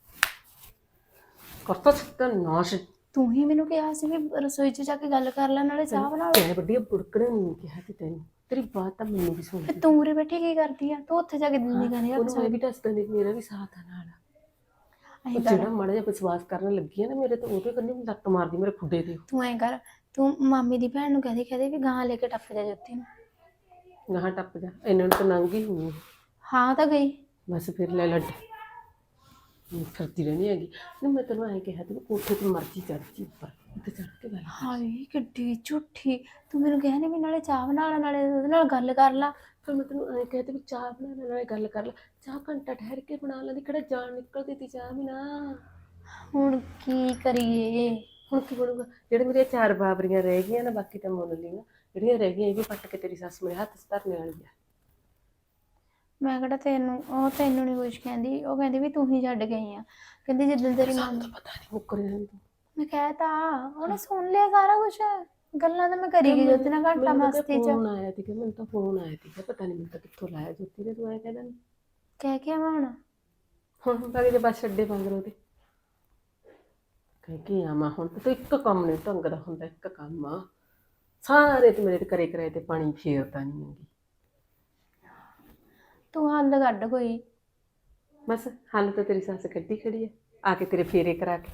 Speaker 2: ਕਰਤਾ ਛੱਤਾ ਨਾਸ਼।
Speaker 1: ਤੂੰ ਹੀ ਮੈਨੂੰ ਕਿਹਾ ਸੀ ਵੀ ਰਸੋਈ 'ਚ ਜਾ ਕੇ ਗੱਲ ਕਰ ਲੈ, ਨਾਲੇ ਚਾਹ ਬਣਾ ਲੈ।
Speaker 2: ਤੈਨੂੰ ਵੱਡੀਆਂ ਬੁੜਕਣੇ ਨਹੀਂ ਕਿਹਾ ਸੀ ਤੈਨੂੰ, ਤੇਰੀ ਬਾਤ ਤਾਂ ਮੈਨੂੰ ਵੀ ਸੁਣ।
Speaker 1: ਤੂੰ ਉਰੇ ਬੈਠੀ ਕੀ ਕਰਦੀ ਆ? ਤੂੰ ਉੱਥੇ ਜਾ ਕੇ ਦਿੰਦੀ ਗਾਣੇ ਰੱਖ
Speaker 2: ਉਹਨੂੰ ਮੈਂ ਵੀ ਦੱਸਦਾ ਨਹੀਂ, ਮੇਰਾ ਵੀ ਸਾਥ ਆ ਨਾਲ। ਉਹ ਜਿਹੜਾ ਮਾੜਾ ਜਿਹਾ ਵਿਸ਼ਵਾਸ ਕਰਨ ਲੱਗੀ ਆ ਨਾ ਮੇਰੇ, ਤਾਂ ਉਹਦੇ ਕੰਨੇ ਲੱਤ ਮਾਰਦੀ ਮੇਰੇ ਖੁੱਡੇ ਤੇ।
Speaker 1: ਤੂੰ ਐਂ ਕਰ, ਤੂੰ ਮਾਮੀ ਦੀ ਭੈਣ ਨੂੰ ਕਹਦੇ ਵੀ ਗਾਂ ਲੈ ਕੇ ਟੱਪ ਜਾ ਜੋਤੀ ਨੂੰ।
Speaker 2: ਗਾਹਾਂ ਟੱਪ ਜਾ, ਇਹਨਾਂ ਨੂੰ ਤਾਂ ਨੰਗੀ ਹੋਈ।
Speaker 1: ਹਾਂ ਤਾਂ ਗਈ।
Speaker 2: ਬਸ ਫਿਰ ਲੈ ਲੱਡ ਫਿਰਦੀ ਰਹਿਣੀ ਹੈਗੀ। ਨਹੀਂ ਮੈਂ ਤੈਨੂੰ ਐਂ ਕਿਹਾ ਤੂੰ ਕੋਠੇ ਤੇ ਮਰਜੀ ਚੜ੍ਹਦੀ ਉੱਪਰ, ਉੱਤੇ ਚੜ੍ਹ ਕੇ ਗੱਲ।
Speaker 1: ਹਾਏ ਕਿੱਡੀ ਝੂਠੀ, ਤੂੰ ਮੈਨੂੰ ਕਹਿ ਨਹੀਂ ਵੀ ਨਾਲੇ ਚਾਹ ਬਣਾ ਲੈ ਨਾਲੇ ਉਹਦੇ ਨਾਲ ਗੱਲ ਕਰ ਲਾ।
Speaker 2: ਫਿਰ ਮੈਂ ਤੈਨੂੰ ਐਂ ਕਿਹਾ ਤੇ ਵੀ ਚਾਹ ਬਣਾ ਲੈ ਨਾਲੇ ਗੱਲ ਕਰ ਲੈ। ਚਾਹ ਘੰਟਾ ਠਹਿਰ ਕੇ ਬਣਾ ਲੈਂਦੀ, ਕਿਹੜਾ ਜਾਨ ਨਿਕਲਦੀ ਤੀ ਚਾਹ ਵੀ ਨਾ।
Speaker 1: ਹੁਣ ਕੀ ਕਰੀਏ?
Speaker 2: ਹੁਣ ਕੀ ਬਣੂਗਾ? ਜਿਹੜੇ ਮੇਰੀਆਂ 4 ਬਾਬਰੀਆਂ ਰਹਿ ਗਈਆਂ ਨਾ, ਬਾਕੀ ਤਾਂ ਮੁੱਲ ਲਈਆਂ, ਜਿਹੜੀਆਂ ਰਹਿ ਗਈਆਂ ਇਹ ਵੀ ਪੱਟ ਕੇ ਤੇਰੀ ਸੱਸ ਮੇਰੇ ਹੱਥ 'ਚ ਧਰਨੇ ਵਾਲੀ ਆ।
Speaker 1: ਮੈਂ ਕਿਹੜਾ ਤੈਨੂੰ ਨਹੀਂ ਕੁਛ ਕਹਿੰਦੀ, ਉਹ ਕਹਿੰਦੀ ਵੀ ਤੂੰ ਹੀ ਛੱਡ ਗਈ ਆ। ਕਹਿੰਦੀ ਜਿੱਦਣ ਤੇਰੀ ਮਾਂ
Speaker 2: ਤਾਂ ਪਤਾ ਨਹੀਂ ਮੁੱਕਰ ਜਾਂਦੀ ਤੂੰ।
Speaker 1: ਮੈਂ ਕਹਿਤਾ, ਉਹਨੇ ਸੁਣ ਲਿਆ ਸਾਰਾ ਕੁਛ। ਗੱਲਾਂ ਤਾਂ ਮੈਂ ਕਰੀ ਗਈ ਜੋਤੀ ਨਾਲ ਘੰਟਾ ਮਸਤੀ 'ਚ।
Speaker 2: ਫੋਨ ਆਇਆ ਸੀਗਾ ਮੈਨੂੰ ਤਾਂ, ਫੋਨ ਆਇਆ ਸੀਗਾ, ਪਤਾ ਨਹੀਂ ਮੈਨੂੰ ਤਾਂ ਕਿੱਥੋਂ ਲਾਇਆ ਜੋਤੀ ਨੇ। ਤੂੰ ਐਂ ਕਹਿ ਦਿੰਦੀ
Speaker 1: ਕਹਿ ਕੇ ਆਵਾਂ
Speaker 2: ਹੁਣ ਤਾਂ ਜੇ ਬਸ ਛੱਡੇ ਮੰਗ ਲਓ ਤੇ ਕਹਿ ਕੇ ਆਵਾਂ। ਹੁਣ ਤਾਂ ਇੱਕ ਕੰਮ ਨਹੀਂ ਢੰਗ ਦਾ ਹੁੰਦਾ, ਇੱਕ ਕੰਮ ਆ ਸਾਰੇ ਤੇ ਮੇਰੇ ਤੇ ਕਰੇ ਕਰਾਏ ਤੇ ਪਾਣੀ ਫੇਰਦਾ ਨਹੀਂ ਹੈਗੀ।
Speaker 1: ਤੂੰ ਹੱਲ ਕੱਢ ਕੋਈ।
Speaker 2: ਬਸ ਹੱਲ ਤਾਂ ਤੇਰੀ ਸੱਸ ਕੱਢੀ ਖੜੀ ਹੈ, ਆ ਕੇ ਤੇਰੇ ਫੇਰੇ ਕਰਾ ਕੇ।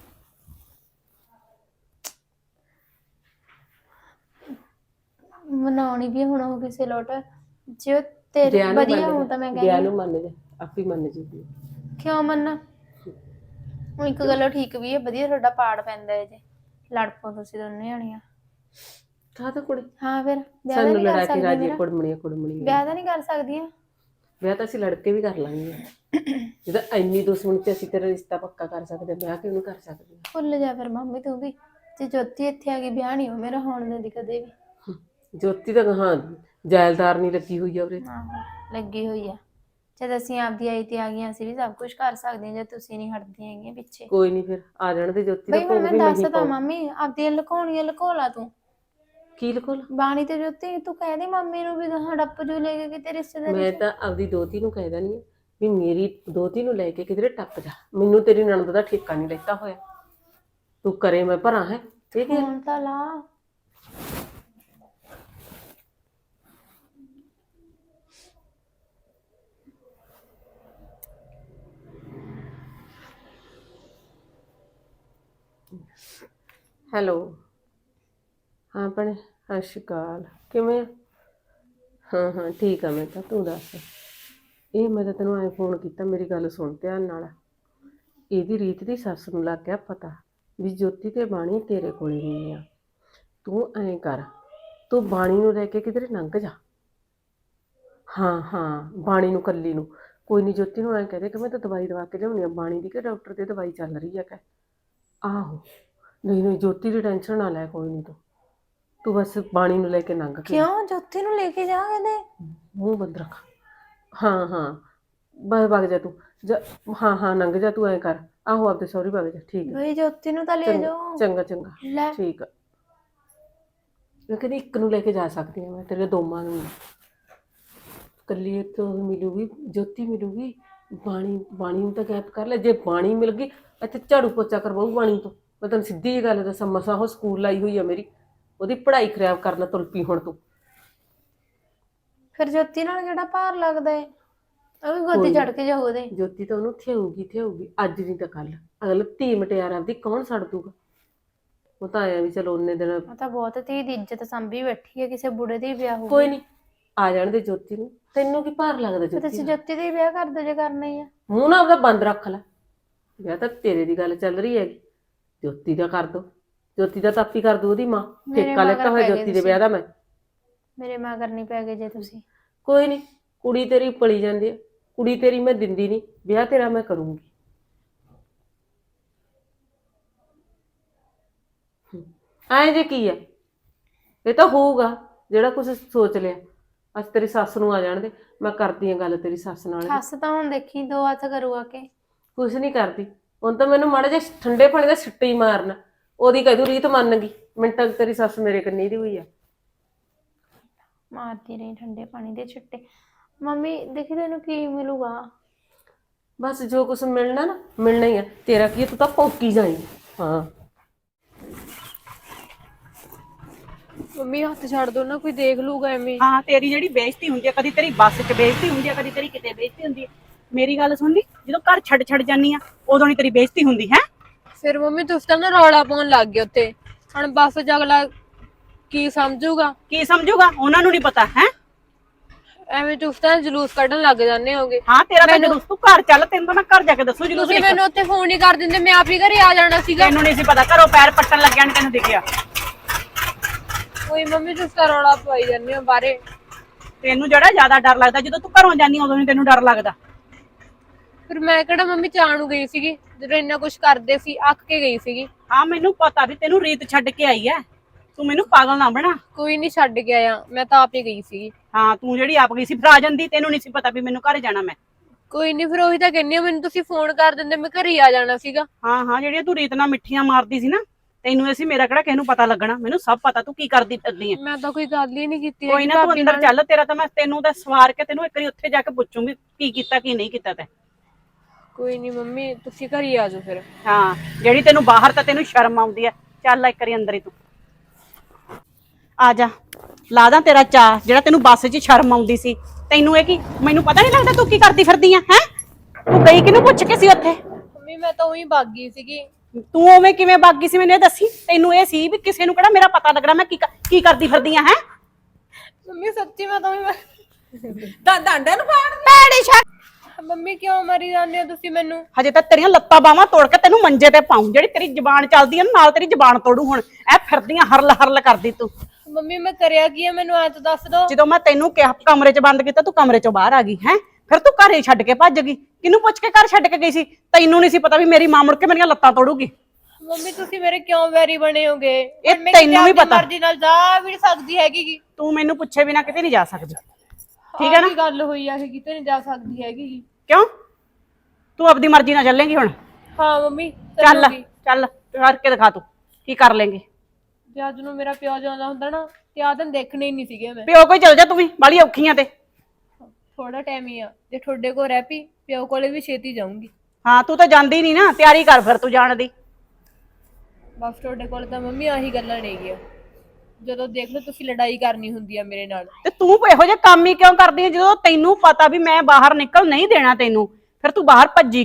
Speaker 1: ਮਨਾਉਣੀ ਵੀ ਹੁਣ ਉਹ ਕਿਸੇ ਲੋਟ, ਜੇ ਉਹ ਤੇਰੀ ਵਧੀਆ ਹੋ ਤਾਂ ਮੈਂ
Speaker 2: ਗਿਆ ਨੂੰ ਮੰਨ ਜਾ, ਆਪੇ ਮੰਨ ਜੂਗੀ।
Speaker 1: ਕਿਉਂ ਮੰਨਾ? ਹੁਣ ਇੱਕ ਗੱਲੋਂ ਠੀਕ ਵੀ ਹੈ, ਵਧੀਆ ਤੁਹਾਡਾ ਪਾੜ ਪੈਂਦਾ ਹੈ ਜੇ ਲੜ ਪੋ ਤੁਸੀਂ ਦੋਨੇ ਜਾਣੀਆਂ।
Speaker 2: ਕਾਹ ਤਾਂ ਕੁੜੀ
Speaker 1: ਹਾਂ ਫਿਰ ਵਿਆਹ ਤਾਂ
Speaker 2: ਸਾਨੂੰ
Speaker 1: ਨਹੀਂ ਕਰ
Speaker 2: ਲੜਾ ਕੇ
Speaker 1: ਸਕਦੀ
Speaker 2: ਰਾਜੀ
Speaker 1: ਮੇਰਾ?
Speaker 2: ਕੁੜਮਣੀਆਂ
Speaker 1: ਵਿਆਹ ਤਾਂ ਨਹੀਂ ਕਰ ਸਕਦੀਆਂ?
Speaker 2: ਵਿਆਹ ਤਾਂ ਅਸੀਂ ਲੜ ਕੇ ਵੀ ਕਰ ਲਾਂਗੇ। ਜਦੋਂ ਇੰਨੀ ਦੁਸ਼ਮਣੀ ਤੇ ਅਸੀਂ ਤੇਰਾ ਰਿਸ਼ਤਾ ਪੱਕਾ ਕਰ ਸਕਦੇ, ਵਿਆਹ ਕਿਉਂ ਨਹੀਂ ਕਰ ਸਕਦੇ?
Speaker 1: ਭੁੱਲ ਜਾ ਫਿਰ ਮੰਮੀ ਤੂੰ ਵੀ, ਜੇ ਜੋਤੀ ਇੱਥੇ ਆ ਗਈ ਵਿਆਹ ਨਹੀਂ ਹੋ ਮੇਰਾ ਹੋਣ ਦਿੰਦੀ ਕਦੇ ਵੀ।
Speaker 2: ਜੋਤੀ ਤਾਂ ਹਾਂ ਜਾਇਲਦਾਰ ਨਹੀਂ ਲੱਗੀ ਹੋਈ ਆ ਉਰੇ।
Speaker 1: ਆਹੋ ਲੱਗੀ ਹੋਈ ਆ। ਜਦ ਅਸੀਂ ਆਪਦੀ ਆਈ ਤੇ ਆ ਗਈਆਂ, ਅਸੀਂ ਵੀ ਸਭ ਕੁਝ ਕਰ ਸਕਦੇ ਹਾਂ ਜੇ ਤੁਸੀਂ ਨਹੀਂ ਹਟਦੀਆਂ ਹੈਗੀਆਂ ਪਿੱਛੇ।
Speaker 2: ਕੋਈ ਨਹੀਂ ਫਿਰ ਆ ਜਾਣ ਦੇ ਜੋਤੀ ਦਾ
Speaker 1: ਬਈ
Speaker 2: ਭੋਗ
Speaker 1: ਮੈਂ
Speaker 2: ਵੀ ਨਹੀਂ
Speaker 1: ਦੱਸਦਾ ਮੰਮੀ, ਆਪਦੀਆਂ ਲੁਕਾਉਣੀਆਂ ਲੁਕੋ ਲਾ ਤੂੰ।
Speaker 2: ਕੀ ਲਕੋ
Speaker 1: ਬਾਣੀ ਤੇ ਜੋਤੀ ਤੂੰ ਕਹਿ ਦੇ ਮੰਮੀ ਨੂੰ ਵੀ ਗਾਹਾਂ ਡੱਪ ਜੂ ਲੈ ਕੇ ਕਿਤੇ ਰਿਸ਼ਤੇਦਾਰੀ
Speaker 2: ਮੈਂ ਤਾਂ ਆਪਦੀ ਦੋਤੀ ਨੂੰ ਕਹਿ ਦੇਣੀ ਵੀ ਮੇਰੀ ਦੋਤੀ ਨੂੰ ਲੈ ਕੇ ਕਿਧਰੇ ਟੱਪ ਜਾ, ਮੈਨੂੰ ਤੇਰੀ ਨਣਦ ਦਾ ਠੇਕਾ ਨਹੀਂ ਲੈਤਾ ਹੋਇਆ। ਤੂੰ ਕਰੇ ਮੈਂ ਭਰਾ ਹੈ ਠੀਕ ਹੈ।
Speaker 1: ਹੁਣ ਤਾਂ ਲਾ।
Speaker 2: ਹੈਲੋ। ਹਾਂ ਭੈਣੇ, ਸਤਿ ਸ਼੍ਰੀ ਅਕਾਲ। ਕਿਵੇਂ ਆ? ਹਾਂ ਹਾਂ ਠੀਕ ਆ ਮੈਂ ਤਾਂ। ਤੂੰ ਦੱਸ। ਇਹ ਮੈਂ ਤਾਂ ਤੈਨੂੰ ਐਂ ਫੋਨ ਕੀਤਾ, ਮੇਰੀ ਗੱਲ ਸੁਣ ਧਿਆਨ ਨਾਲ। ਇਹਦੀ ਰੀਤ ਦੀ ਸੱਸ ਨੂੰ ਲੱਗ ਗਿਆ ਪਤਾ ਵੀ ਜੋਤੀ ਤੇ ਬਾਣੀ ਤੇਰੇ ਕੋਲ ਹੀ ਨਹੀਂ ਆ। ਤੂੰ ਐਂ ਕਰ, ਤੂੰ ਬਾਣੀ ਨੂੰ ਲੈ ਕੇ ਕਿਧਰੇ ਲੰਘ ਜਾ। ਹਾਂ ਹਾਂ, ਬਾਣੀ ਨੂੰ ਕੱਲੀ ਨੂੰ। ਕੋਈ ਨਹੀਂ, ਜੋਤੀ ਨੂੰ ਐਂ ਕਹਦੇ ਕਿ ਮੈਂ ਤਾਂ ਦਵਾਈ ਦਵਾ ਕੇ ਲਿਆਉਣੀ ਆ ਬਾਣੀ ਦੀ, ਕਿ ਡਾਕਟਰ ਦੀ ਦਵਾਈ ਚੱਲ ਰਹੀ ਆ ਕਹਿ। ਆਹੋ, ਨਹੀਂ ਨਹੀਂ, ਜੋਤੀ ਦੀ ਟੈਨਸ਼ਨ ਨਾ ਲੈ, ਕੋਈ ਨਹੀਂ। ਤੂੰ ਬਸ ਬਾਣੀ ਨੂੰ ਲੈ ਕੇ ਲੰਘ ਕੇ।
Speaker 3: ਕਿਉਂ? ਜੋਤੀ ਨੂੰ ਲੈ ਕੇ ਜਾ ਇਹਦੇ।
Speaker 2: ਮੂੰਹ ਬੰਦ ਰੱਖ। ਹਾਂ ਹਾਂ, ਬਸ ਵਗ ਜਾ ਤੂੰ। ਹਾਂ ਹਾਂ, ਲੰਘ ਜਾ ਤੂੰ। ਐਂ ਕਰ, ਆਹੋ ਆਪਦੇ ਸਹੁਰੇ ਵਗ ਜਾ। ਠੀਕ ਹੈ,
Speaker 3: ਬਈ ਜੋਤੀ ਨੂੰ ਤਾਂ ਲੈ ਜਾਓ।
Speaker 2: ਚੰਗਾ ਚੰਗਾ,
Speaker 3: ਲੈ
Speaker 2: ਠੀਕ ਆ। ਮੈਂ ਕਹਿੰਦੀ ਇੱਕ ਨੂੰ ਲੈ ਕੇ ਜਾ ਸਕਦੀ ਹਾਂ ਮੈਂ, ਤੇਰੇ ਦੋਵਾਂ ਨੂੰ ਨਹੀਂ। ਇਕੱਲੀ ਇੱਕ ਮਿਲੂਗੀ, ਜੋਤੀ ਮਿਲੂਗੀ। ਬਾਣੀ ਨੂੰ ਤਾਂ ਗੈਪ ਕਰ ਲੈ। ਜੇ ਬਾਣੀ ਮਿਲ ਗਈ, ਇੱਥੇ ਝਾੜੂ ਪੋਚਾ ਕਰਵਾਊ ਬਾਣੀ ਤੋਂ। ਮੈਂ ਤੈਨੂੰ ਸਿੱਧੀ ਜਿਹੀ ਗੱਲ ਦੱਸਾਂ, ਮਸਾਂ ਉਹ ਸਕੂਲ ਲਾਈ ਹੋਈ ਆ ਮੇਰੀ, ਉਹਦੀ ਪੜ੍ਹਾਈ ਖਰਾਬ ਕਰਨਾ ਤੁਲ ਪਈ ਹੁਣ ਤੂੰ।
Speaker 3: ਫਿਰ ਜੋਤੀ ਨਾਲ ਕਿਹੜਾ ਭਾਰ ਲੱਗਦਾ ਏ? ਉਹ ਵੀ ਗੋਦੀ ਚੜ ਕੇ ਜਾਓ ਉਹਦੇ।
Speaker 2: ਜੋਤੀ ਤਾਂ ਉਹਨੂੰ ਥਿਆਊਗੀ ਅੱਜ ਨਹੀਂ ਤਾਂ ਕੱਲ। ਅਗਲ ਧੀ ਮਟਿਆਰ ਆਪਦੀ ਕੌਣ ਛੱਡ ਦੂਗਾ? ਉਹ ਤਾਂ ਆਇਆ ਵੀ ਚਲੋ ਉਹਨੇ ਦਿਨ।
Speaker 1: ਉਹ ਤਾਂ ਬਹੁਤ ਧੀ ਦੀ ਇੱਜ਼ਤ ਸੰਭੀ ਬੈਠੀ ਹੈ, ਕਿਸੇ ਬੁੜੇ ਦੇ ਹੀ ਵਿਆਹ ਹੋ।
Speaker 2: ਕੋਈ ਨਹੀਂ, ਆ ਜਾਣ ਦੇ ਜੋਤੀ ਨੂੰ। ਤੈਨੂੰ ਕੀ ਭਾਰ ਲੱਗਦਾ ਜੋਤੀ
Speaker 1: ਤੁਸੀਂ
Speaker 2: ਦਾ?
Speaker 1: ਜੋਤੀ ਦੇ ਹੀ ਵਿਆਹ ਕਰ ਦਿਓ ਜੇ ਕਰਨਾ ਹੀ ਆ।
Speaker 2: ਮੂੰਹ ਨਾ ਆਪਦਾ ਬੰਦ ਰੱਖ ਲੈ। ਵਿਆਹ ਤਾਂ ਤੇਰੇ ਦੀ ਗੱਲ ਚੱਲ ਰਹੀ ਹੈਗੀ, ਜੋਤੀ ਦਾ ਕਰ ਦੋ। ਜੋਤੀ ਦਾ ਤਾਪੀ ਕਰ ਦੂ ਉਹਦੀ ਮਾਂ। ਠੇਕਾ ਲੈਤਾ ਹੋਇਆ ਜੋਤੀ ਦੇ ਵਿਆਹ ਦਾ ਮੈਂ।
Speaker 1: ਮੇਰੇ ਮਗਰ ਨਹੀਂ ਪੈ ਗਏ ਜੇ ਤੁਸੀਂ।
Speaker 2: ਕੋਈ ਨਹੀਂ, ਕੁੜੀ ਤੇਰੀ ਪਲੀ ਜਾਂਦੀ ਹੈ। ਕੁੜੀ ਤੇਰੀ ਮੈਂ ਦਿੰਦੀ ਨਹੀਂ, ਵਿਆਹ ਤੇਰਾ ਮੈਂ ਕਰੂੰਗੀ। ਐਂ ਜੇ ਕੀ ਹੈ? ਇਹ ਤਾਂ ਹੋਊਗਾ ਜਿਹੜਾ ਕੁਝ ਸੋਚ ਲਿਆ। ਅੱਜ ਤੇਰੀ ਸੱਸ ਨੂੰ ਆ ਜਾਣ ਦੇ, ਮੈਂ ਕਰਦੀ ਹਾਂ ਗੱਲ ਤੇਰੀ ਸੱਸ ਨਾਲ।
Speaker 1: ਸੱਸ ਤਾਂ ਹੁਣ ਦੇਖੀ ਦੋ ਹੱਥ ਕਰੂ ਆ ਕੇ।
Speaker 2: ਕੁਛ ਨਹੀਂ ਕਰਦੀ ਹੁਣ ਤਾਂ। ਮੈਨੂੰ ਮਾੜਾ ਜਿਹਾ ਠੰਡੇ ਪਾਣੀ ਦਾ ਛਿੱਟਾ ਹੀ ਮਾਰਨਾ, ਉਹਦੀ ਕਹਿ ਦੂ ਰੀਤ ਮੰਨ ਗਈ। ਮਿੰਟਾਂ ਤੇਰੀ ਸੱਸ ਮੇਰੇ ਕੰਨੀ ਦੀ ਹੋਈ ਆ।
Speaker 1: ਮਾਰਦੀ ਰਹੀ ਠੰਡੇ ਪਾਣੀ ਦੇ ਛਿੱਟੇ। ਮੰਮੀ ਦੇਖੀ ਤੈਨੂੰ ਕੀ ਮਿਲੂਗਾ?
Speaker 2: ਬਸ ਜੋ ਕੁਛ ਮਿਲਣਾ ਨਾ, ਮਿਲਣਾ ਹੀ ਆ। ਤੇਰਾ ਕੀ, ਤੂੰ ਤਾਂ ਭੌਂਕੀ ਜਾਏਂਗੀ। ਹਾਂ
Speaker 3: ਮੰਮੀ ਹੱਥ ਛੱਡ ਦੋ ਨਾ, ਕੋਈ ਦੇਖ ਲੂਗਾ ਐਵੇਂ।
Speaker 4: ਹਾਂ, ਤੇਰੀ ਜਿਹੜੀ ਬੇਇੱਜ਼ਤੀ ਹੁੰਦੀ ਆ, ਕਦੀ ਤੇਰੀ ਬੱਸ 'ਚ ਬੇਇੱਜ਼ਤੀ ਹੁੰਦੀ ਆ, ਕਦੀ ਤੇਰੀ ਕਿਤੇ ਬੇਇੱਜ਼ਤੀ ਹੁੰਦੀ ਆ। ਮੇਰੀ ਗੱਲ ਸੁਣ ਲਈ, ਜਦੋਂ ਘਰ ਛੱਡ ਜਾਨੀ ਆ ਉਦੋਂ ਨਹੀਂ ਤੇਰੀ ਬੇਇੱਜ਼ਤੀ ਹੁੰਦੀ ਹੈ।
Speaker 3: ਫਿਰ ਮੰਮੀ ਤੁਸੀਂ ਤਾਂ ਨਾ ਰੌਲਾ ਪਾਉਣ ਲੱਗ ਗਏ ਉੱਤੇ। ਹੁਣ ਬੱਸ ਚ ਅਗਲਾ ਕੀ ਸਮਝੂਗਾ?
Speaker 4: ਕੀ ਸਮਝੂਗਾ? ਉਹਨਾਂ ਨੂੰ ਨਹੀਂ ਪਤਾ ਹੈ।
Speaker 3: ਐਵੇਂ ਤੁਸੀਂ ਤਾਂ ਜਲੂਸ ਕੱਢਣ ਲੱਗ ਜਾਂਦੇ ਹੋਗੇ।
Speaker 4: ਹਾਂ, ਤੇਰਾ ਤਾਂ ਜਲੂਸ। ਤੂੰ ਘਰ ਚੱਲ, ਤੈਨੂੰ ਤਾਂ ਮੈਂ ਘਰ ਜਾ ਕੇ ਦੱਸੂ ਜਲੂਸ।
Speaker 3: ਤੁਸੀਂ ਮੈਨੂੰ ਉੱਥੇ ਫੋਨ ਹੀ ਕਰ ਦਿੰਦੇ, ਮੈਂ ਆਪ ਹੀ ਘਰੇ ਆ ਜਾਣਾ ਸੀਗਾ।
Speaker 4: ਤੈਨੂੰ ਨਹੀਂ ਸੀ ਪਤਾ, ਘਰੋਂ ਪੈਰ ਪੱਟਣ ਲੱਗਿਆ ਨਹੀਂ ਤੈਨੂੰ ਦਿਖਿਆ।
Speaker 3: ਕੋਈ ਮੰਮੀ ਤੁਸੀਂ ਤਾਂ ਰੌਲਾ ਪਵਾਈ ਜਾਂਦੇ ਹੋ ਬਾਹਰੇ।
Speaker 4: ਤੈਨੂੰ ਜਿਹੜਾ ਜ਼ਿਆਦਾ ਡਰ ਲੱਗਦਾ, ਜਦੋਂ ਤੂੰ ਘਰੋਂ ਜਾਂਦੀ ਉਦੋਂ ਨਹੀਂ ਤੈਨੂੰ ਡਰ ਲੱਗਦਾ।
Speaker 3: ਫਿਰ ਮੈਂ ਕਿਹੜਾ ਮੰਮੀ ਚਾਹ ਨੂੰ ਗਈ ਸੀਗੀ, ਜਦੋਂ ਇੰਨਾ ਕੁਝ ਕਰਦੇ ਸੀ, ਅੱਕ ਕੇ ਗਈ ਸੀਗੀ।
Speaker 4: ਹਾਂ, ਮੈਨੂੰ ਪਤਾ ਵੀ ਤੈਨੂੰ ਰੀਤ ਛੱਡ ਕੇ ਆਈ ਐ। ਤੂੰ ਮੈਨੂੰ ਪਾਗਲ ਨਾ ਬਣਾ।
Speaker 3: ਕੋਈ ਨਹੀਂ ਛੱਡ ਕੇ ਆਇਆ, ਮੈਂ ਤਾਂ ਆਪ ਹੀ ਗਈ ਸੀਗੀ।
Speaker 4: ਹਾਂ, ਤੂੰ ਜਿਹੜੀ ਆਪ ਗਈ ਸੀ ਫਿਰ ਆ ਜਾਂਦੀ। ਤੈਨੂੰ ਨਹੀਂ ਸੀ ਪਤਾ ਵੀ ਮੈਨੂੰ ਘਰੇ ਜਾਣਾ ਮੈਂ।
Speaker 3: ਕੋਈ ਨਹੀਂ, ਫਿਰ ਉਹੀ ਤਾਂ ਕਹਿੰਦੀ ਆ, ਮੈਨੂੰ ਤੁਸੀਂ ਫੋਨ ਕਰ ਦਿੰਦੇ, ਮੈਂ ਘਰੇ ਹੀ ਆ ਜਾਣਾ ਸੀਗਾ।
Speaker 4: ਹਾਂ ਹਾਂ, ਜਿਹੜੀਆਂ ਤੂੰ ਰੀਤ ਨਾਲ ਮਿੱਠੀਆਂ ਮਾਰਦੀ ਸੀ ਨਾ, ਤੈਨੂੰ ਇਹ ਸੀ ਮੇਰਾ ਕਿਹੜਾ ਕਿਸੇ ਨੂੰ ਪਤਾ ਲੱਗਣਾ। ਮੈਨੂੰ ਸਭ ਪਤਾ ਤੂੰ ਕੀ ਕਰਦੀ ਫਿਰਦੀ ਐ।
Speaker 3: ਮੈਂ ਤਾਂ ਕੋਈ ਗੱਲ ਹੀ ਨਹੀਂ ਕੀਤੀ।
Speaker 4: ਕੋਈ ਨਾ, ਤੂੰ ਅੰਦਰ ਚੱਲ। ਤੇਰਾ ਤਾਂ ਮੈਂ ਤੈਨੂੰ ਤਾਂ ਸਵਾਰ ਕੇ ਤੈਨੂੰ ਇੱਕ ਵਾਰੀ ਉੱਥੇ ਜਾ ਕੇ ਪੁੱਛੂੰਗੀ ਕੀ ਕੀਤਾ ਕੀ ਨਹੀਂ ਕੀਤਾ ਤੈਂ।
Speaker 3: ਕੋਈ ਨਹੀਂ ਮੰਮੀ, ਤੁਸੀਂ ਘਰ ਹੀ ਆ ਜਾਓ ਫਿਰ।
Speaker 4: ਹਾਂ, ਜਿਹੜੀ ਤੈਨੂੰ ਬਾਹਰ ਤਾਂ ਤੈਨੂੰ ਸ਼ਰਮ ਆਉਂਦੀ ਐ। ਚੱਲ ਇੱਕ ਵਾਰੀ ਅੰਦਰ ਹੀ ਤੂੰ ਆ ਜਾ। ਲਾ ਦਾਂ ਤੇਰਾ ਚਾਅ ਜਿਹੜਾ ਤੈਨੂੰ ਬੱਸ 'ਚ ਸ਼ਰਮ ਆਉਂਦੀ ਸੀ। ਤੈਨੂੰ ਇਹ ਕੀ, ਮੈਨੂੰ ਪਤਾ ਨਹੀਂ ਲੱਗਦਾ ਤੂੰ ਕੀ ਕਰਦੀ ਫਿਰਦੀ ਆ ਹੈ? ਤੂੰ ਗਈ ਕਿਹਨੂੰ ਪੁੱਛ ਕੇ ਸੀ ਉੱਥੇ?
Speaker 3: ਮੰਮੀ ਮੈਂ ਤਾਂ ਉਹੀ ਭੱਗ ਗਈ ਸੀਗੀ।
Speaker 4: ਤੂੰ ਉਵੇਂ ਕਿਵੇਂ ਭੱਗ ਗਈ ਸੀ ਮੈਨੂੰ ਇਹ ਦੱਸੀ। ਤੈਨੂੰ ਇਹ ਸੀ ਵੀ ਕਿਸੇ ਨੂੰ ਕਿਹੜਾ ਮੇਰਾ ਪਤਾ ਲੱਗਣਾ ਮੈਂ ਕੀ ਕਰਦੀ ਫਿਰਦੀ ਆ ਹੈ?
Speaker 3: ਮੰਮੀ ਸੱਚੀ ਮੈਂ ਤਾਂ ਉਹੀ
Speaker 2: ਡਾਂਡੇ ਨੂੰ ਭੈੜੀ ਛੱਡ।
Speaker 3: ਮੰਮੀ ਕਿਉਂ ਮਰੀ ਜਾਂਦੇ ਹੋ ਤੁਸੀਂ ਮੈਨੂੰ?
Speaker 4: ਹਜੇ ਤਾਂ ਤੇਰੀਆਂ ਲੱਤਾਂ ਬਾਹਾਂ ਤੋੜ ਕੇ ਤੈਨੂੰ ਮੰਜੇ ਤੇ ਪਾਉਂ। ਜਿਹੜੀ ਤੇਰੀ ਜ਼ਬਾਨ ਚੱਲਦੀ ਆ ਨਾਲ ਤੇਰੀ ਜ਼ਬਾਨ ਤੋੜੂ ਹੁਣ। ਐ ਫਿਰਦੀਆਂ ਹਰਲ ਕਰਦੀ ਤੂੰ।
Speaker 3: ਮੰਮੀ ਮੈਂ ਕਰਿਆ ਕੀ ਹੈ, ਮੈਨੂੰ ਐ ਤਾਂ ਦੱਸ ਦੋ।
Speaker 4: ਜਦੋਂ ਮੈਂ ਤੈਨੂੰ ਕਿਹਾ ਕਮਰੇ 'ਚ ਬੰਦ ਕੀਤਾ, ਤੂੰ ਕਮਰੇ 'ਚੋਂ ਬਾਹਰ ਆ ਗਈ ਹੈ। ਫਿਰ ਤੂੰ ਘਰੇ ਛੱਡ ਕੇ ਭੱਜ ਗਈ। ਕਿਹਨੂੰ ਪੁੱਛ ਕੇ ਘਰ ਛੱਡ ਕੇ ਗਈ ਸੀ? ਤੈਨੂੰ ਨਹੀਂ ਸੀ ਪਤਾ ਵੀ ਮੇਰੀ ਮਾਂ ਮੁੜ ਕੇ ਮੇਰੀਆਂ ਲੱਤਾਂ ਤੋੜੂਗੀ।
Speaker 3: ਮੰਮੀ ਤੁਸੀਂ ਮੇਰੇ ਕਿਉਂ ਵੈਰੀ ਬਣੇ ਹੋਗੇ?
Speaker 4: ਇਹ ਤੈਨੂੰ ਵੀ ਪਤਾ।
Speaker 3: ਮਰਜ਼ੀ ਨਾਲ ਜਾ ਵੀ ਨਹੀਂ ਸਕਦੀ ਹੈਗੀ।
Speaker 4: ਤੂੰ ਮੈਨੂੰ ਪੁੱਛੇ ਬਿਨਾ ਕਿਤੇ ਨਹੀਂ ਜਾ ਸਕਦੀ, ਠੀਕ ਹੈ ਨਾ?
Speaker 3: ਕੀ ਗੱਲ ਹੋਈ ਆ ਕਿ ਕਿਤੇ ਨਹੀਂ ਜਾ ਸਕਦੀ ਹੈਗੀ?
Speaker 4: ਕਿਉਂ? ਤੂੰ ਆਪਣੀ ਮਰਜ਼ੀ ਨਾਲ ਚੱਲੇਂਗੀ ਹੁਣ?
Speaker 3: ਹਾਂ ਮੰਮੀ
Speaker 4: ਚੱਲ ਚੱਲ ਕਰਕੇ ਦਿਖਾ ਤੂੰ ਕੀ ਕਰ ਲੇਂਗੀ।
Speaker 3: ਜੇ ਅੱਜ ਨੂੰ ਮੇਰਾ ਪਿਓ ਜਾਂਦਾ ਹੁੰਦਾ ਨਾ ਤੇ ਆਹ ਦਿਨ ਦੇਖਣੇ ਹੀ ਨਹੀਂ ਸੀਗੇ ਮੈਂ।
Speaker 4: ਪਿਓ ਕੋਈ ਚੱਲ ਜਾ, ਤੂੰ ਵੀ ਬਾਲੀ ਔਖੀਆਂ ਤੇ।
Speaker 3: ਥੋੜਾ ਟਾਈਮ ਹੀ ਆ, ਜੇ ਤੁਹਾਡੇ ਕੋਲ ਰਹਿ ਪਈ ਪਿਓ ਕੋਲੇ ਵੀ ਛੇਤੀ ਜਾਊਂਗੀ।
Speaker 4: ਹਾਂ, ਤੂੰ ਤਾਂ ਜਾਂਦੀ ਨਹੀਂ ਨਾ। ਤਿਆਰੀ ਕਰ ਫਿਰ ਤੂੰ ਜਾਣ ਦੀ।
Speaker 3: ਬਸ ਤੁਹਾਡੇ ਕੋਲ ਤਾਂ ਮੰਮੀ ਆਹੀ ਗੱਲਾਂ ਨੇ ਗੀਆਂ। ਜਦੋਂ ਦੇਖ ਲਓ ਤੁਸੀਂ ਲੜਾਈ ਕਰਨੀ ਹੁੰਦੀ ਆ ਮੇਰੇ ਨਾਲ।
Speaker 4: ਤੇ ਤੂੰ ਇਹੋ ਜਿਹੇ ਕੰਮ ਹੀ ਕਿਉਂ ਕਰਦੀ ਹੈ? ਜਦੋਂ ਤੈਨੂੰ ਪਤਾ ਵੀ ਮੈਂ ਬਾਹਰ ਨਿਕਲ ਨਹੀਂ ਦੇਣਾ ਤੈਨੂੰ, ਫਿਰ ਤੂੰ ਬਾਹਰ ਭੱਜੀ ਕਿਉਂ?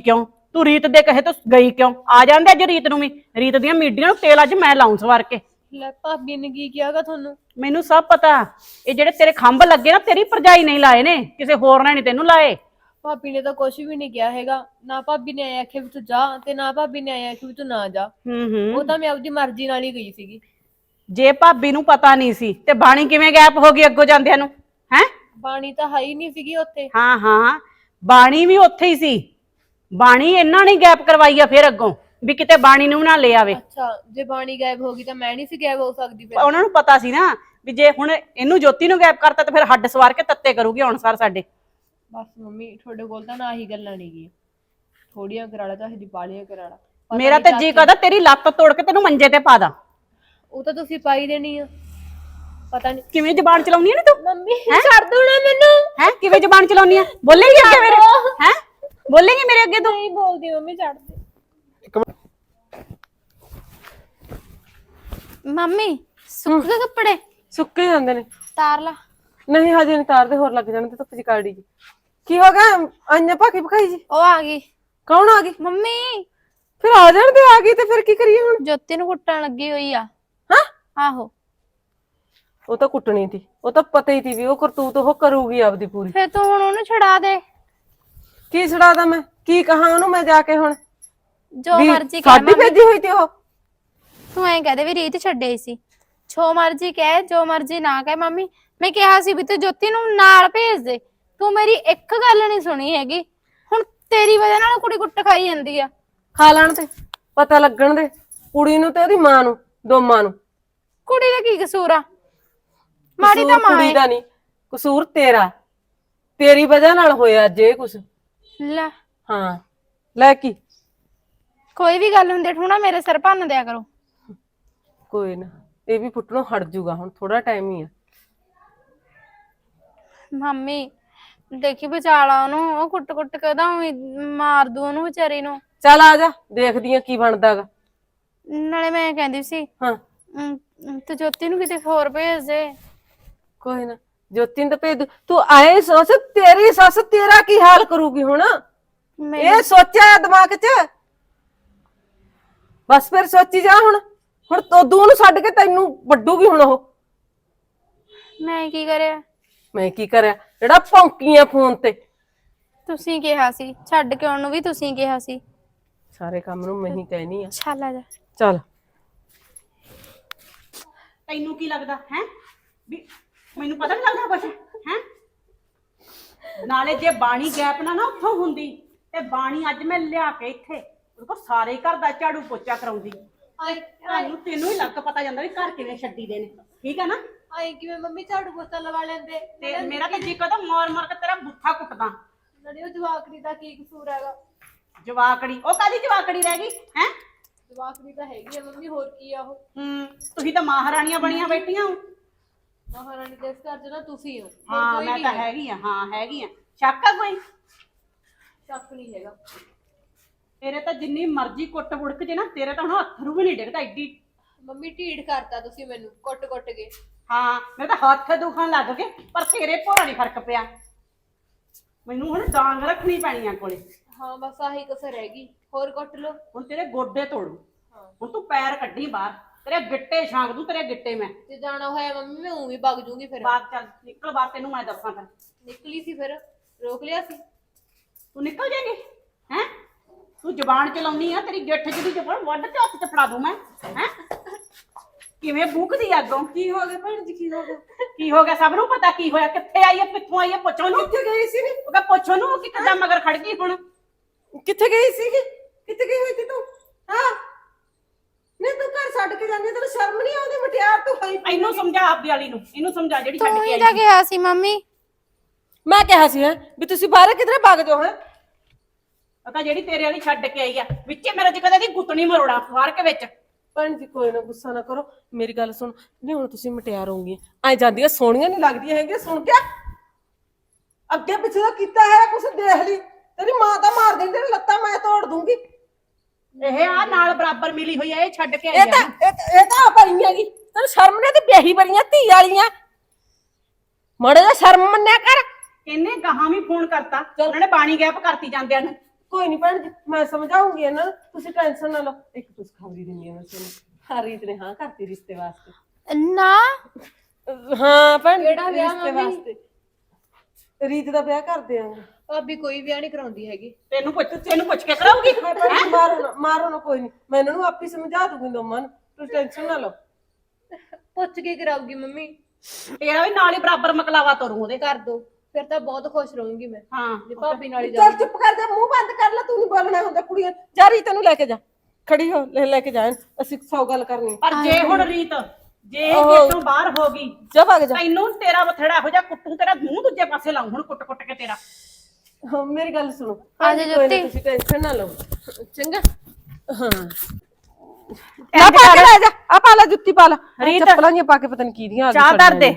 Speaker 4: ਤੂੰ ਰੀਤ ਦੇ ਕਹੇ ਤੋਂ ਗਈ ਕਿਉਂ? ਆ ਜਾਂਦੇ ਅੱਜ ਰੀਤ ਨੂੰ ਵੀ। ਰੀਤ ਦੀਆਂ ਮੀਡੀਆਂ ਨੂੰ ਤੇਲ ਅੱਜ ਮੈਂ ਲਾਉਂ ਸਵਾਰ ਕੇ।
Speaker 3: ਲੈ ਭਾਬੀ ਨੇ ਕੀ ਕਿਹਾਗਾ ਤੁਹਾਨੂੰ?
Speaker 4: ਮੈਨੂੰ ਸਭ ਪਤਾ। ਇਹ ਜਿਹੜੇ ਤੇਰੇ ਖੰਭ ਲੱਗੇ ਨਾ ਤੇਰੀ ਭਰਜਾਈ ਨਹੀਂ ਲਾਏ ਨੇ, ਕਿਸੇ ਹੋਰ ਨੇ ਨਹੀਂ ਤੈਨੂੰ ਲਾਏ।
Speaker 3: ਭਾਬੀ ਨੇ ਤਾਂ ਕੁਝ ਵੀ ਨਹੀਂ ਕਿਹਾ ਹੈਗਾ। ਨਾ ਭਾਬੀ ਨੇ ਆਇਆ ਆਖਿਆ ਵੀ ਤੂੰ ਜਾ, ਤੇ ਨਾ ਭਾਬੀ ਨੇ ਆਇਆ ਆਖਿਆ ਵੀ ਤੂੰ ਨਾ ਜਾ। ਉਹ ਤਾਂ ਮੈਂ ਆਪਦੀ ਮਰਜ਼ੀ ਨਾਲ ਹੀ ਗਈ ਸੀਗੀ।
Speaker 4: ਜੇ ਭਾਬੀ ਨੂੰ ਪਤਾ ਨਹੀਂ ਸੀ ਤੇ ਬਾਣੀ ਕਿਵੇਂ ਗਾਇਬ ਹੋ ਗਈ ਅੱਗੋਂ ਜਾਂਦਿਆਂ ਨੂੰ? ਹੈ
Speaker 3: ਬਾਣੀ ਤਾਂ ਹੈ ਹੀ ਨਹੀਂ ਸੀਗੀ ਉੱਥੇ।
Speaker 4: ਹਾਂ ਹਾਂ, ਬਾਣੀ ਵੀ ਉੱਥੇ ਹੀ ਸੀ। ਬਾਣੀ ਇਹਨਾਂ ਨੇ ਗੈਪ ਕਰਵਾਈ ਆ ਫਿਰ ਅੱਗੋਂ, ਵੀ ਕਿਤੇ ਬਾਣੀ ਨੂੰ ਨਾ ਲੈ ਆਵੇ।
Speaker 3: ਅੱਛਾ, ਜੇ ਬਾਣੀ ਗਾਇਬ ਹੋ ਗਈ ਤਾਂ ਮੈਂ ਨਹੀਂ ਸੀ ਗਾਇਬ ਹੋ ਸਕਦੀ ਫਿਰ?
Speaker 4: ਉਹਨਾਂ ਨੂੰ ਪਤਾ ਸੀ ਨਾ ਵੀ ਜੇ ਹੁਣ ਇਹਨੂੰ ਜੋਤੀ ਨੂੰ ਗੈਪ ਕਰਤਾ ਤੇ ਫਿਰ ਹੱਡ ਸਵਾਰ ਕੇ ਤੱਤੇ ਕਰੂਗੀ ਹੁਣ ਸਰ ਸਾਡੇ।
Speaker 3: ਬਸ ਮੰਮੀ ਤੁਹਾਡੇ ਕੋਲ ਤਾਂ ਨਾ ਹੀ ਗੱਲਾਂ ਨਹੀਂ ਗਈਆਂ। ਥੋੜੀਆਂ ਕਰਾਲਾ ਚਾਹੀਦੀ, ਬਾਲੀਆਂ ਕਰਾਲਾ।
Speaker 4: ਮੇਰਾ ਤੇ ਜੀ ਕਰਦਾ ਤੇਰੀ ਲੱਤ ਤੋੜ ਕੇ ਤੈਨੂੰ ਮੰਜੇ ਤੇ ਪਾ ਦਾਂ।
Speaker 3: ਉਹ ਤਾਂ ਤੁਸੀਂ ਪਾਈ ਦੇਣੀ ਆ। ਪਤਾ ਨਹੀਂ
Speaker 4: ਕਿਵੇਂ ਜ਼ਬਾਨ ਚਲਾਉਣੀ ਆ ਨੀ ਤੂੰ?
Speaker 3: ਮੰਮੀ ਛੱਡ ਦੋ ਨਾ ਮੈਨੂੰ।
Speaker 4: ਹੈ ਕਿਵੇਂ ਜ਼ਬਾਨ ਚਲਾਉਣੀ ਆ? ਬੋਲੇਂਗੀ ਅੱਗੇ ਮੇਰੇ? ਹੈ ਬੋਲੇਂਗੀ ਮੇਰੇ ਅੱਗੇ ਤੂੰ?
Speaker 3: ਨਹੀਂ ਬੋਲਦੀ ਮੰਮੀ, ਛੱਡ ਦੇ।
Speaker 1: ਮੰਮੀ ਸੁੱਕ ਗਏ ਕੱਪੜੇ?
Speaker 2: ਸੁੱਕੇ ਜਾਂਦੇ ਨੇ।
Speaker 1: ਤਾਰ ਲਾ।
Speaker 2: ਨਹੀਂ ਹਜੇ ਨਹੀਂ ਤਾਰਦੇ, ਹੋਰ ਲੱਗ ਜਾਣ ਤੇ ਧੁੱਪ ਚ ਕਾੜੀ ਜੀ। ਕੀ ਹੋ ਗਿਆ? ਅੰਨਾ ਭਾਕੀ ਭਖਾਈ ਜੀ
Speaker 1: ਉਹ ਆ ਗਈ
Speaker 2: ਕੌਣ ਆ ਗਈ?
Speaker 1: ਮੰਮੀ।
Speaker 2: ਫਿਰ ਆ ਜਾਣ ਤੇ ਆ ਗਈ ਤੇ ਫਿਰ ਕੀ ਕਰੀਏ ਹੁਣ?
Speaker 1: ਜੋਤੀ ਨੂੰ ਕੁੱਟਣ ਲੱਗੀ ਹੋਈ ਆ।
Speaker 2: ਹਾਂ
Speaker 1: ਆਹੋ।
Speaker 2: ਉਹ ਤਾਂ ਕੁੱਟਣੀ ਸੀ, ਉਹ ਤਾਂ ਪਤਾ ਹੀ ਸੀ ਵੀ ਉਹ ਕਰਤੂਤ ਉਹ ਕਰੂਗੀ ਆਪਦੀ ਪੂਰੀ।
Speaker 1: ਫਿਰ ਤੂੰ ਹੁਣ ਉਹਨੂੰ ਛਡਾ ਦੇ।
Speaker 2: ਕੀ ਛੜਾਦਾ ਮੈਂ? ਕੀ ਕਹਾਂ ਉਹਨੂੰ ਮੈਂ ਜਾ ਕੇ ਹੁਣ?
Speaker 1: ਜੋ
Speaker 2: ਵੀ
Speaker 1: ਮਰਜ਼ੀ ਕਹਿ
Speaker 2: ਸਾਡੀ ਭੇਜੀ ਹੋਈ ਤੇ ਉਹ।
Speaker 1: ਤੂੰ ਐਂ ਕਹਦੇ ਵੀ ਰੀਤ ਛੱਡੇ ਸੀ। ਜੋ ਮਰਜ਼ੀ ਕਹਿ, ਜੋ ਮਰਜ਼ੀ ਨਾ ਕਹਿ। ਮੰਮੀ ਮੈਂ ਕਿਹਾ ਸੀ ਵੀ ਤੂੰ ਜੋਤੀ ਨੂੰ ਨਾਲ ਭੇਜ ਦੇ, ਤੂੰ ਮੇਰੀ ਇੱਕ ਗੱਲ ਨਹੀਂ ਸੁਣੀ ਹੈਗੀ। ਹੁਣ ਤੇਰੀ ਵਜ੍ਹਾ ਨਾਲ ਕੁੜੀ ਕੁੱਟ ਖਾਈ ਜਾਂਦੀ ਆ।
Speaker 2: ਖਾ ਲੈਣ ਤੇ ਪਤਾ ਲੱਗਣ ਦੇ ਕੁੜੀ ਨੂੰ ਤੇ ਉਹਦੀ ਮਾਂ ਨੂੰ, ਦੋਵਾਂ ਨੂੰ।
Speaker 1: ਕੁੜੀ ਦਾ ਕੀ ਕਸੂਰ ਆ? ਮਾੜੀ ਤਾਂ ਮਾਂ
Speaker 2: ਕੁੜੀ
Speaker 1: ਹੈ।
Speaker 2: ਦਾ ਨਹੀਂ ਕਸੂਰ, ਤੇਰਾ। ਤੇਰੀ ਵਜ੍ਹਾ ਨਾਲ ਹੋਇਆ ਅੱਜ ਇਹ ਕੁਛ।
Speaker 1: ਲੈ
Speaker 2: ਹਾਂ ਲੈ ਕੀ?
Speaker 1: ਕੋਈ ਵੀ ਗੱਲ ਹੁੰਦੀ ਠੂਣਾ ਮੇਰੇ ਸਿਰ ਭੰਨ ਦਿਆ ਕਰੋ।
Speaker 2: ਕੋਈ ਨਾ, ਇਹ ਵੀ ਫੁੱਟਣੋਂ ਹਟ ਜੂਗਾ, ਹੁਣ ਥੋੜਾ ਟਾਈਮ ਹੀ ਆ।
Speaker 1: ਮੰਮੀ ਦੇਖੀ ਬਚਾਲਾ ਉਹਨੂੰ, ਉਹ ਕੁੱਟ ਕੇ ਉਹਦਾ ਮਾਰ ਦੂ ਉਹਨੂੰ ਵਿਚਾਰੀ ਨੂੰ।
Speaker 2: ਚੱਲ ਆ ਜਾ, ਦੇਖਦੀ ਆ ਕੀ ਬਣਦਾਗਾ।
Speaker 1: ਨਾਲੇ ਮੈਂ ਕਹਿੰਦੀ ਸੀ
Speaker 2: ਹਾਂ
Speaker 1: ਤੂੰ ਜੋਤੀ ਨੂੰ ਕਿਤੇ ਹੋਰ ਭੇਜ ਦੇ।
Speaker 2: ਕੋਈ ਨਾ, ਜੋਤੀ ਨੂੰ ਤਾਂ ਭੇਜ ਦੂ। ਤੂੰ ਆਏ ਸੋਚ, ਤੇਰੀ ਸੱਸ ਤੇਰਾ ਕੀ ਹਾਲ ਕਰੂਗੀ ਹੁਣ? ਇਹ ਸੋਚਿਆ ਦਿਮਾਗ 'ਚ? ਬਸ ਫਿਰ ਸੋਚੀ ਜਾ ਹੁਣ। ਹੁਣ ਤੋਦੂ ਨੂੰ ਛੱਡ ਕੇ ਤੈਨੂੰ ਵੱਡੂਗੀ ਹੁਣ ਉਹ।
Speaker 1: ਮੈਂ ਕੀ ਕਰਿਆ?
Speaker 2: ਮੈਂ ਕੀ ਕਰਿਆ? ਜਿਹੜਾ ਭੌਂਕੀਆਂ ਫੋਨ ਤੇ।
Speaker 1: ਤੁਸੀਂ ਕਿਹਾ ਸੀ ਛੱਡ ਕੇ ਆਉਣ ਨੂੰ, ਵੀ ਤੁਸੀਂ ਕਿਹਾ ਸੀ।
Speaker 2: ਸਾਰੇ ਕੰਮ ਨੂੰ ਮੈਂ ਹੀ ਕਹਿਨੀ ਆ।
Speaker 1: ਚੱਲ ਆ ਜਾ।
Speaker 2: ਚੱਲ
Speaker 4: ਤੈਨੂੰ ਕੀ ਲੱਗਦਾ ਹੈ ਵੀ ਮੈਨੂੰ ਪਤਾ ਨਹੀਂ ਲੱਗਦਾ ਕੁਛ? ਹੈ ਨਾਲੇ ਜੇ ਬਾਣੀ ਗੈਪ ਨਾ ਉੱਥੋਂ ਹੁੰਦੀ ਤੇ ਬਾਣੀ ਅੱਜ ਮੈਂ ਲਿਆ ਕੇ ਇੱਥੇ ਉਹਦੇ ਕੋਲ ਸਾਰੇ ਘਰ ਦਾ ਝਾੜੂ ਪੋਚਾ ਕਰਾਉਂਦੀ। ਤੈਨੂੰ ਹੀ ਲੱਗ ਪਤਾ ਜਾਂਦਾ ਵੀ ਘਰ ਕਿਵੇਂ ਛੱਡੀ ਦੇ ਨੇ, ਠੀਕ ਹੈ ਨਾ?
Speaker 3: ਆਏ ਕਿਵੇਂ ਮੰਮੀ ਝਾੜੂ ਪੋਚਾ ਲਵਾ ਲੈਂਦੇ?
Speaker 4: ਤੇ ਮੇਰਾ ਤਾਂ ਜੀ ਕਹਦਾ ਮਾਰ ਮਾਰ ਕੇ ਤੇਰਾ ਬੁੱਥਾ ਕੁੱਟਦਾ।
Speaker 3: ਨਾਲੇ ਉਹ ਜਵਾਕੜੀ ਦਾ ਕੀ ਕਸੂਰ ਹੈਗਾ?
Speaker 4: ਜਵਾਕੜੀ ਉਹ ਕਾਦੀ ਜਵਾਕੜੀ ਰਹਿ ਗਈ ਹੈ?
Speaker 3: ਜਵਾਕੜੀ ਤਾਂ ਹੈਗੀ ਆ ਮੰਮੀ, ਹੋਰ ਕੀ ਆ ਉਹ?
Speaker 4: ਤੁਸੀਂ ਤਾਂ ਮਹਾਰਾਣੀਆਂ ਬਣੀਆਂ ਬੈਠੀਆਂ ਹੋ।
Speaker 3: ਮਹਾਰਾਣੀ ਦੇ ਇਸ ਘਰ 'ਚ ਨਾ ਤੁਸੀਂ ਹੋ।
Speaker 4: ਹਾਂ ਮੈਂ ਤਾਂ ਹੈਗੀ ਆ। ਹਾਂ ਹੈਗੀ ਆ। ਸ਼ੱਕ ਆ ਕੋਈ?
Speaker 3: ਸ਼ੱਕ ਨਹੀਂ ਹੈਗਾ।
Speaker 4: ਤੇਰੇ ਤਾਂ ਜਿੰਨੀ ਮਰਜ਼ੀ ਕੁੱਟ ਬੁੜਕ ਜੇ ਨਾ, ਤੇਰੇ ਤਾਂ ਹੁਣ ਅੱਥਰੂ ਵੀ ਨਹੀਂ ਡਿੱਗਦਾ ਐਡੀ।
Speaker 3: ਮੰਮੀ ਢੀਠ ਕਰਤਾ ਤੁਸੀਂ ਮੈਨੂੰ ਕੁੱਟ ਕੇ।
Speaker 4: ਹਾਂ ਮੇਰੇ ਤਾਂ ਹੱਥ ਦੁਖਣ ਲੱਗ ਗਏ, ਪਰ ਤੇਰੇ ਭੋਰਾ ਨਹੀਂ ਫਰਕ ਪਿਆ। ਮੈਨੂੰ ਹੁਣ ਡਾਂਗ ਰੱਖਣੀ ਪੈਣੀ ਆ ਕੋਲੇ।
Speaker 3: ਹਾਂ ਬਸ ਆਹੀ ਕਸਰ ਰਹਿ ਗਈ, ਹੋਰ ਕੁੱਟ ਲੋ।
Speaker 4: ਹੁਣ ਤੇਰੇ ਗੋਡੇ ਤੋੜੂ। ਹੁਣ ਤੂੰ ਪੈਰ ਕੱਢੀ ਬਾਹਰ, ਤੇਰੇ ਗਿੱਟੇ ਛਾਂਗ ਦੂੰ। ਤੇਰੇ ਗਿੱਟੇ ਮੈਂ
Speaker 3: ਜੇ ਜਾਣਾ ਹੋਇਆ ਮੰਮੀ ਮੈਂ ਉਵੇਂ ਵਗ ਜੂਗੀ ਫਿਰ।
Speaker 4: ਬਾਹਰ ਚੱਲ ਨਿਕਲ ਬਾਹਰ, ਤੈਨੂੰ ਮੈਂ ਦੱਸਾਂ ਫਿਰ।
Speaker 3: ਨਿਕਲੀ ਸੀ ਫਿਰ ਰੋਕ ਲਿਆ ਸੀ।
Speaker 4: ਤੂੰ ਨਿਕਲ ਜਾਏਂਗੀ ਹੈ? ਤੂੰ ਜ਼ਬਾਨ ਚਲਾਉਣੀ ਆ, ਤੇਰੀ ਗਿੱਠ ਜਿਹਦੀ ਜ਼ਬਾਨ ਵੱਢ ਕੇ ਹੱਥ 'ਚ ਫੜਾ ਦੂੰ ਮੈਂ। ਹੈ ਕਿਵੇਂ ਬੂਕਦੀ ਅੱਗੋਂ?
Speaker 2: ਕੀ ਹੋ ਗਿਆ ਭੈਣ ਜੀ? ਕੀ ਹੋ ਗਿਆ?
Speaker 4: ਕੀ ਹੋ ਗਿਆ? ਸਭ ਨੂੰ ਪਤਾ ਕੀ ਹੋਇਆ, ਕਿੱਥੇ ਆਈ ਹੈ, ਕਿੱਥੋਂ ਆਈ ਹੈ। ਪੁੱਛੋ ਨੂੰ।
Speaker 2: ਕਿੱਥੇ ਗਈ ਸੀ?
Speaker 4: ਉਹ ਕਹ ਪੁੱਛੋ ਨੂੰ ਕਿ ਕਿੱਦਾਂ ਮਗਰ ਖੜ ਗਈ ਹੁਣ।
Speaker 2: ਕਿੱਥੇ ਗਈ ਸੀਗੀ? ਕਿੱਥੇ ਗਈ ਹੋਈ ਸੀ ਤੂੰ? ਹਾਂ ਨਹੀਂ, ਤੂੰ ਘਰ ਛੱਡ ਕੇ ਜਾਂਦੀ, ਤੈਨੂੰ ਸ਼ਰਮ ਨਹੀਂ ਆਉਂਦੀ? ਮਟਿਆਰ ਤੂੰ ਹੋਈ।
Speaker 4: ਇਹਨੂੰ ਸਮਝਾ ਆਪਦੀ ਵਾਲੀ ਨੂੰ, ਇਹਨੂੰ ਸਮਝਾ ਜਿਹੜੀ ਛੱਡ
Speaker 1: ਤੂੰ
Speaker 4: ਕੇ
Speaker 1: ਹੀ
Speaker 4: ਆਈ।
Speaker 1: ਤਾਂ ਕਿਹਾ ਸੀ ਮੰਮੀ।
Speaker 2: ਮੈਂ ਕਿਹਾ ਸੀ ਵੀ ਤੁਸੀਂ ਬਾਹਰ ਕਿਧਰੇ ਭੱਗ ਜਾਓ। ਹੈ
Speaker 4: ਪਤਾ ਜਿਹੜੀ ਤੇਰੇ ਵਾਲੀ ਛੱਡ ਕੇ ਆਈ ਆ, ਵਿੱਚੇ ਮੇਰੇ ਚ ਕਦੇ ਦੀ ਗੁੱਤਣੀ ਮਰੋੜਾ ਫਾਰ ਕੇ ਵਿੱਚ।
Speaker 2: ਭੈਣ ਜੀ ਕੋਈ ਨਾ, ਗੁੱਸਾ ਨਾ ਕਰੋ, ਮੇਰੀ ਗੱਲ ਸੁਣ। ਨਹੀਂ ਹੁਣ ਤੁਸੀਂ ਮਟਿਆਰ ਹੋਗੀਆਂ, ਐ ਜਾਂਦੀਆਂ ਸੋਹਣੀਆਂ ਨਹੀਂ ਲੱਗਦੀਆਂ ਹੈਗੀਆਂ। ਸੁਣ ਕੇ ਅੱਗੇ ਪਿੱਛੇ ਦਾ ਕੀਤਾ ਹੈ ਕੁਛ ਦੇਖ ਲਈ। ਤੇਰੀ ਮਾਂ ਤਾਂ ਮਾਰ ਦੇਂਦੀ, ਤੇਰੀ ਲੱਤਾਂ ਮੈਂ ਤੋੜ ਦੂੰਗੀ।
Speaker 4: ਇਹ ਆ ਨਾਲ ਬਰਾਬਰ ਮਿਲੀ ਹੋਈ ਆ, ਇਹ ਛੱਡ ਕੇ ਆਈ
Speaker 2: ਇਹ ਤਾਂ
Speaker 4: ਆ।
Speaker 2: ਇਹ ਤਾਂ ਆ ਬਣੀ ਹੈਗੀ। ਤੈਨੂੰ ਸ਼ਰਮ ਨਹੀਂ ਤੇ ਵਿਆਹੀ ਬੜੀਆਂ ਧੀ ਵਾਲੀਆਂ। ਮੜੇ ਦਾ ਸ਼ਰਮ ਮੰਨਿਆ ਕਰ।
Speaker 4: ਇਹਨੇ ਗਾਹਾਂ ਵੀ ਫੋਨ ਕਰਤਾ, ਉਹਨਾਂ ਨੇ ਬਾਣੀ ਗੈਪ ਕਰਤੀ ਜਾਂਦਿਆਂ ਨੂੰ।
Speaker 2: ਕੋਈ ਨਹੀਂ ਭੈਣ ਜੀ ਮੈਂ ਸਮਝਾਉਂਗੀ ਇਹਨਾਂ ਨੂੰ, ਤੁਸੀਂ ਟੈਨਸ਼ਨ ਨਾ ਲਓ। ਇੱਕ ਖੁਸ਼ਖਬਰੀ ਦਿੰਦੀ ਹਾਂ ਮੈਂ ਤੁਹਾਨੂੰ, ਹਾਂ ਰੀਤ ਨੇ ਹਾਂ ਕਰਤੀ ਰਿਸ਼ਤੇ ਵਾਸਤੇ।
Speaker 1: ਨਾ
Speaker 2: ਹਾਂ ਭੈਣ ਜੀ,
Speaker 3: ਕਿਹੜਾ ਵਿਆਹ
Speaker 2: ਰਿਸ਼ਤੇ
Speaker 3: ਮੰਮੀ?
Speaker 2: ਵਾਸਤੇ ਰੀਤ ਦਾ ਵਿਆਹ ਕਰ ਦਿਆਂਗੇ।
Speaker 3: ਭਾਬੀ ਕੋਈ ਵਿਆਹ ਨਹੀਂ ਕਰਾਉਂਦੀ ਹੈਗੀ।
Speaker 4: ਤੈਨੂੰ ਪੁੱਛ ਕੇ ਕਰਾਉਗੀ।
Speaker 2: ਮੈਂ ਭੈਣ ਜੀ ਮਾਰੋ ਨਾ ਕੋਈ ਨਹੀਂ, ਮੈਂ ਇਹਨਾਂ ਨੂੰ ਆਪੇ ਸਮਝਾ ਦੂੰਗੀ ਦੋਵਾਂ ਨੂੰ, ਤੁਸੀਂ ਟੈਨਸ਼ਨ ਨਾ ਲਓ।
Speaker 3: ਪੁੱਛ ਕੇ ਕਰਾਉਗੀ ਮੰਮੀ।
Speaker 4: ਤੇਰਾ ਵੀ ਨਾਲ ਹੀ ਬਰਾਬਰ ਮਕਲਾਵਾ ਤੋਰੂ ਉਹਦੇ।
Speaker 3: ਕਰ ਦੋ ਫਿਰ ਤਾਂ ਬਹੁਤ ਖੁਸ਼ ਰਹੂੰਗੀ ਮੈਂ
Speaker 4: ਹਾਂ
Speaker 3: ਜੇ ਭਾਬੀ ਨਾਲ ਹੀ
Speaker 2: ਚੱਲ ਚੁੱਪ ਕਰ ਜਾ, ਮੂੰਹ ਬੰਦ ਕਰ ਲੈ, ਤੂੰ ਨਹੀਂ ਬੋਲਣਾ ਹੁੰਦਾ। ਕੁੜੀਆਂ ਜਾ ਰੀਤ ਨੂੰ ਲੈ ਕੇ ਜਾ, ਖੜੀ ਹੋ, ਲੈ ਕੇ ਜਾ, ਅਸੀਂ 100 ਗੱਲ ਕਰਨੀ।
Speaker 4: ਪਰ ਜੇ ਹੁਣ ਰੀਤ ਜੇ ਇੱਥੋਂ ਬਾਹਰ ਹੋ ਗਈ
Speaker 2: ਜਾ ਭਾਗ ਜਾ।
Speaker 4: ਤੈਨੂੰ ਤੇਰਾ ਬਥੜਾ ਇਹੋ ਜਿਹਾ ਕੁੱਟੂ, ਤੇਰਾ ਮੂੰਹ ਦੂਜੇ ਪਾਸੇ ਲਾਉਂ ਹੁਣ ਕੁੱਟ ਕੇ ਤੇਰਾ।
Speaker 2: ਹਾਂ ਮੇਰੀ ਗੱਲ ਸੁਣੋ,
Speaker 1: ਆ ਜਾ
Speaker 2: ਕੋਈ ਨਾ,
Speaker 1: ਜੋਤੀ।
Speaker 2: ਤੁਸੀਂ ਟੈਨਸ਼ਨ ਨਾ ਲਓ, ਚੰਗਾ। ਹਾਂ ਆ ਪਾ ਕੇ ਲੈ ਜਾ, ਆ ਪਾ ਲੈ ਜੁੱਤੀ ਪਾ ਲੈ।
Speaker 4: ਰੀਤ,
Speaker 2: ਚੱਪਲਾਂ ਜੀਆਂ ਪਾ ਕੇ ਪਤਾ ਨਹੀਂ ਕੀ ਦੀਆਂ ਆ
Speaker 4: ਚਾਹ ਧਰ ਦੇ।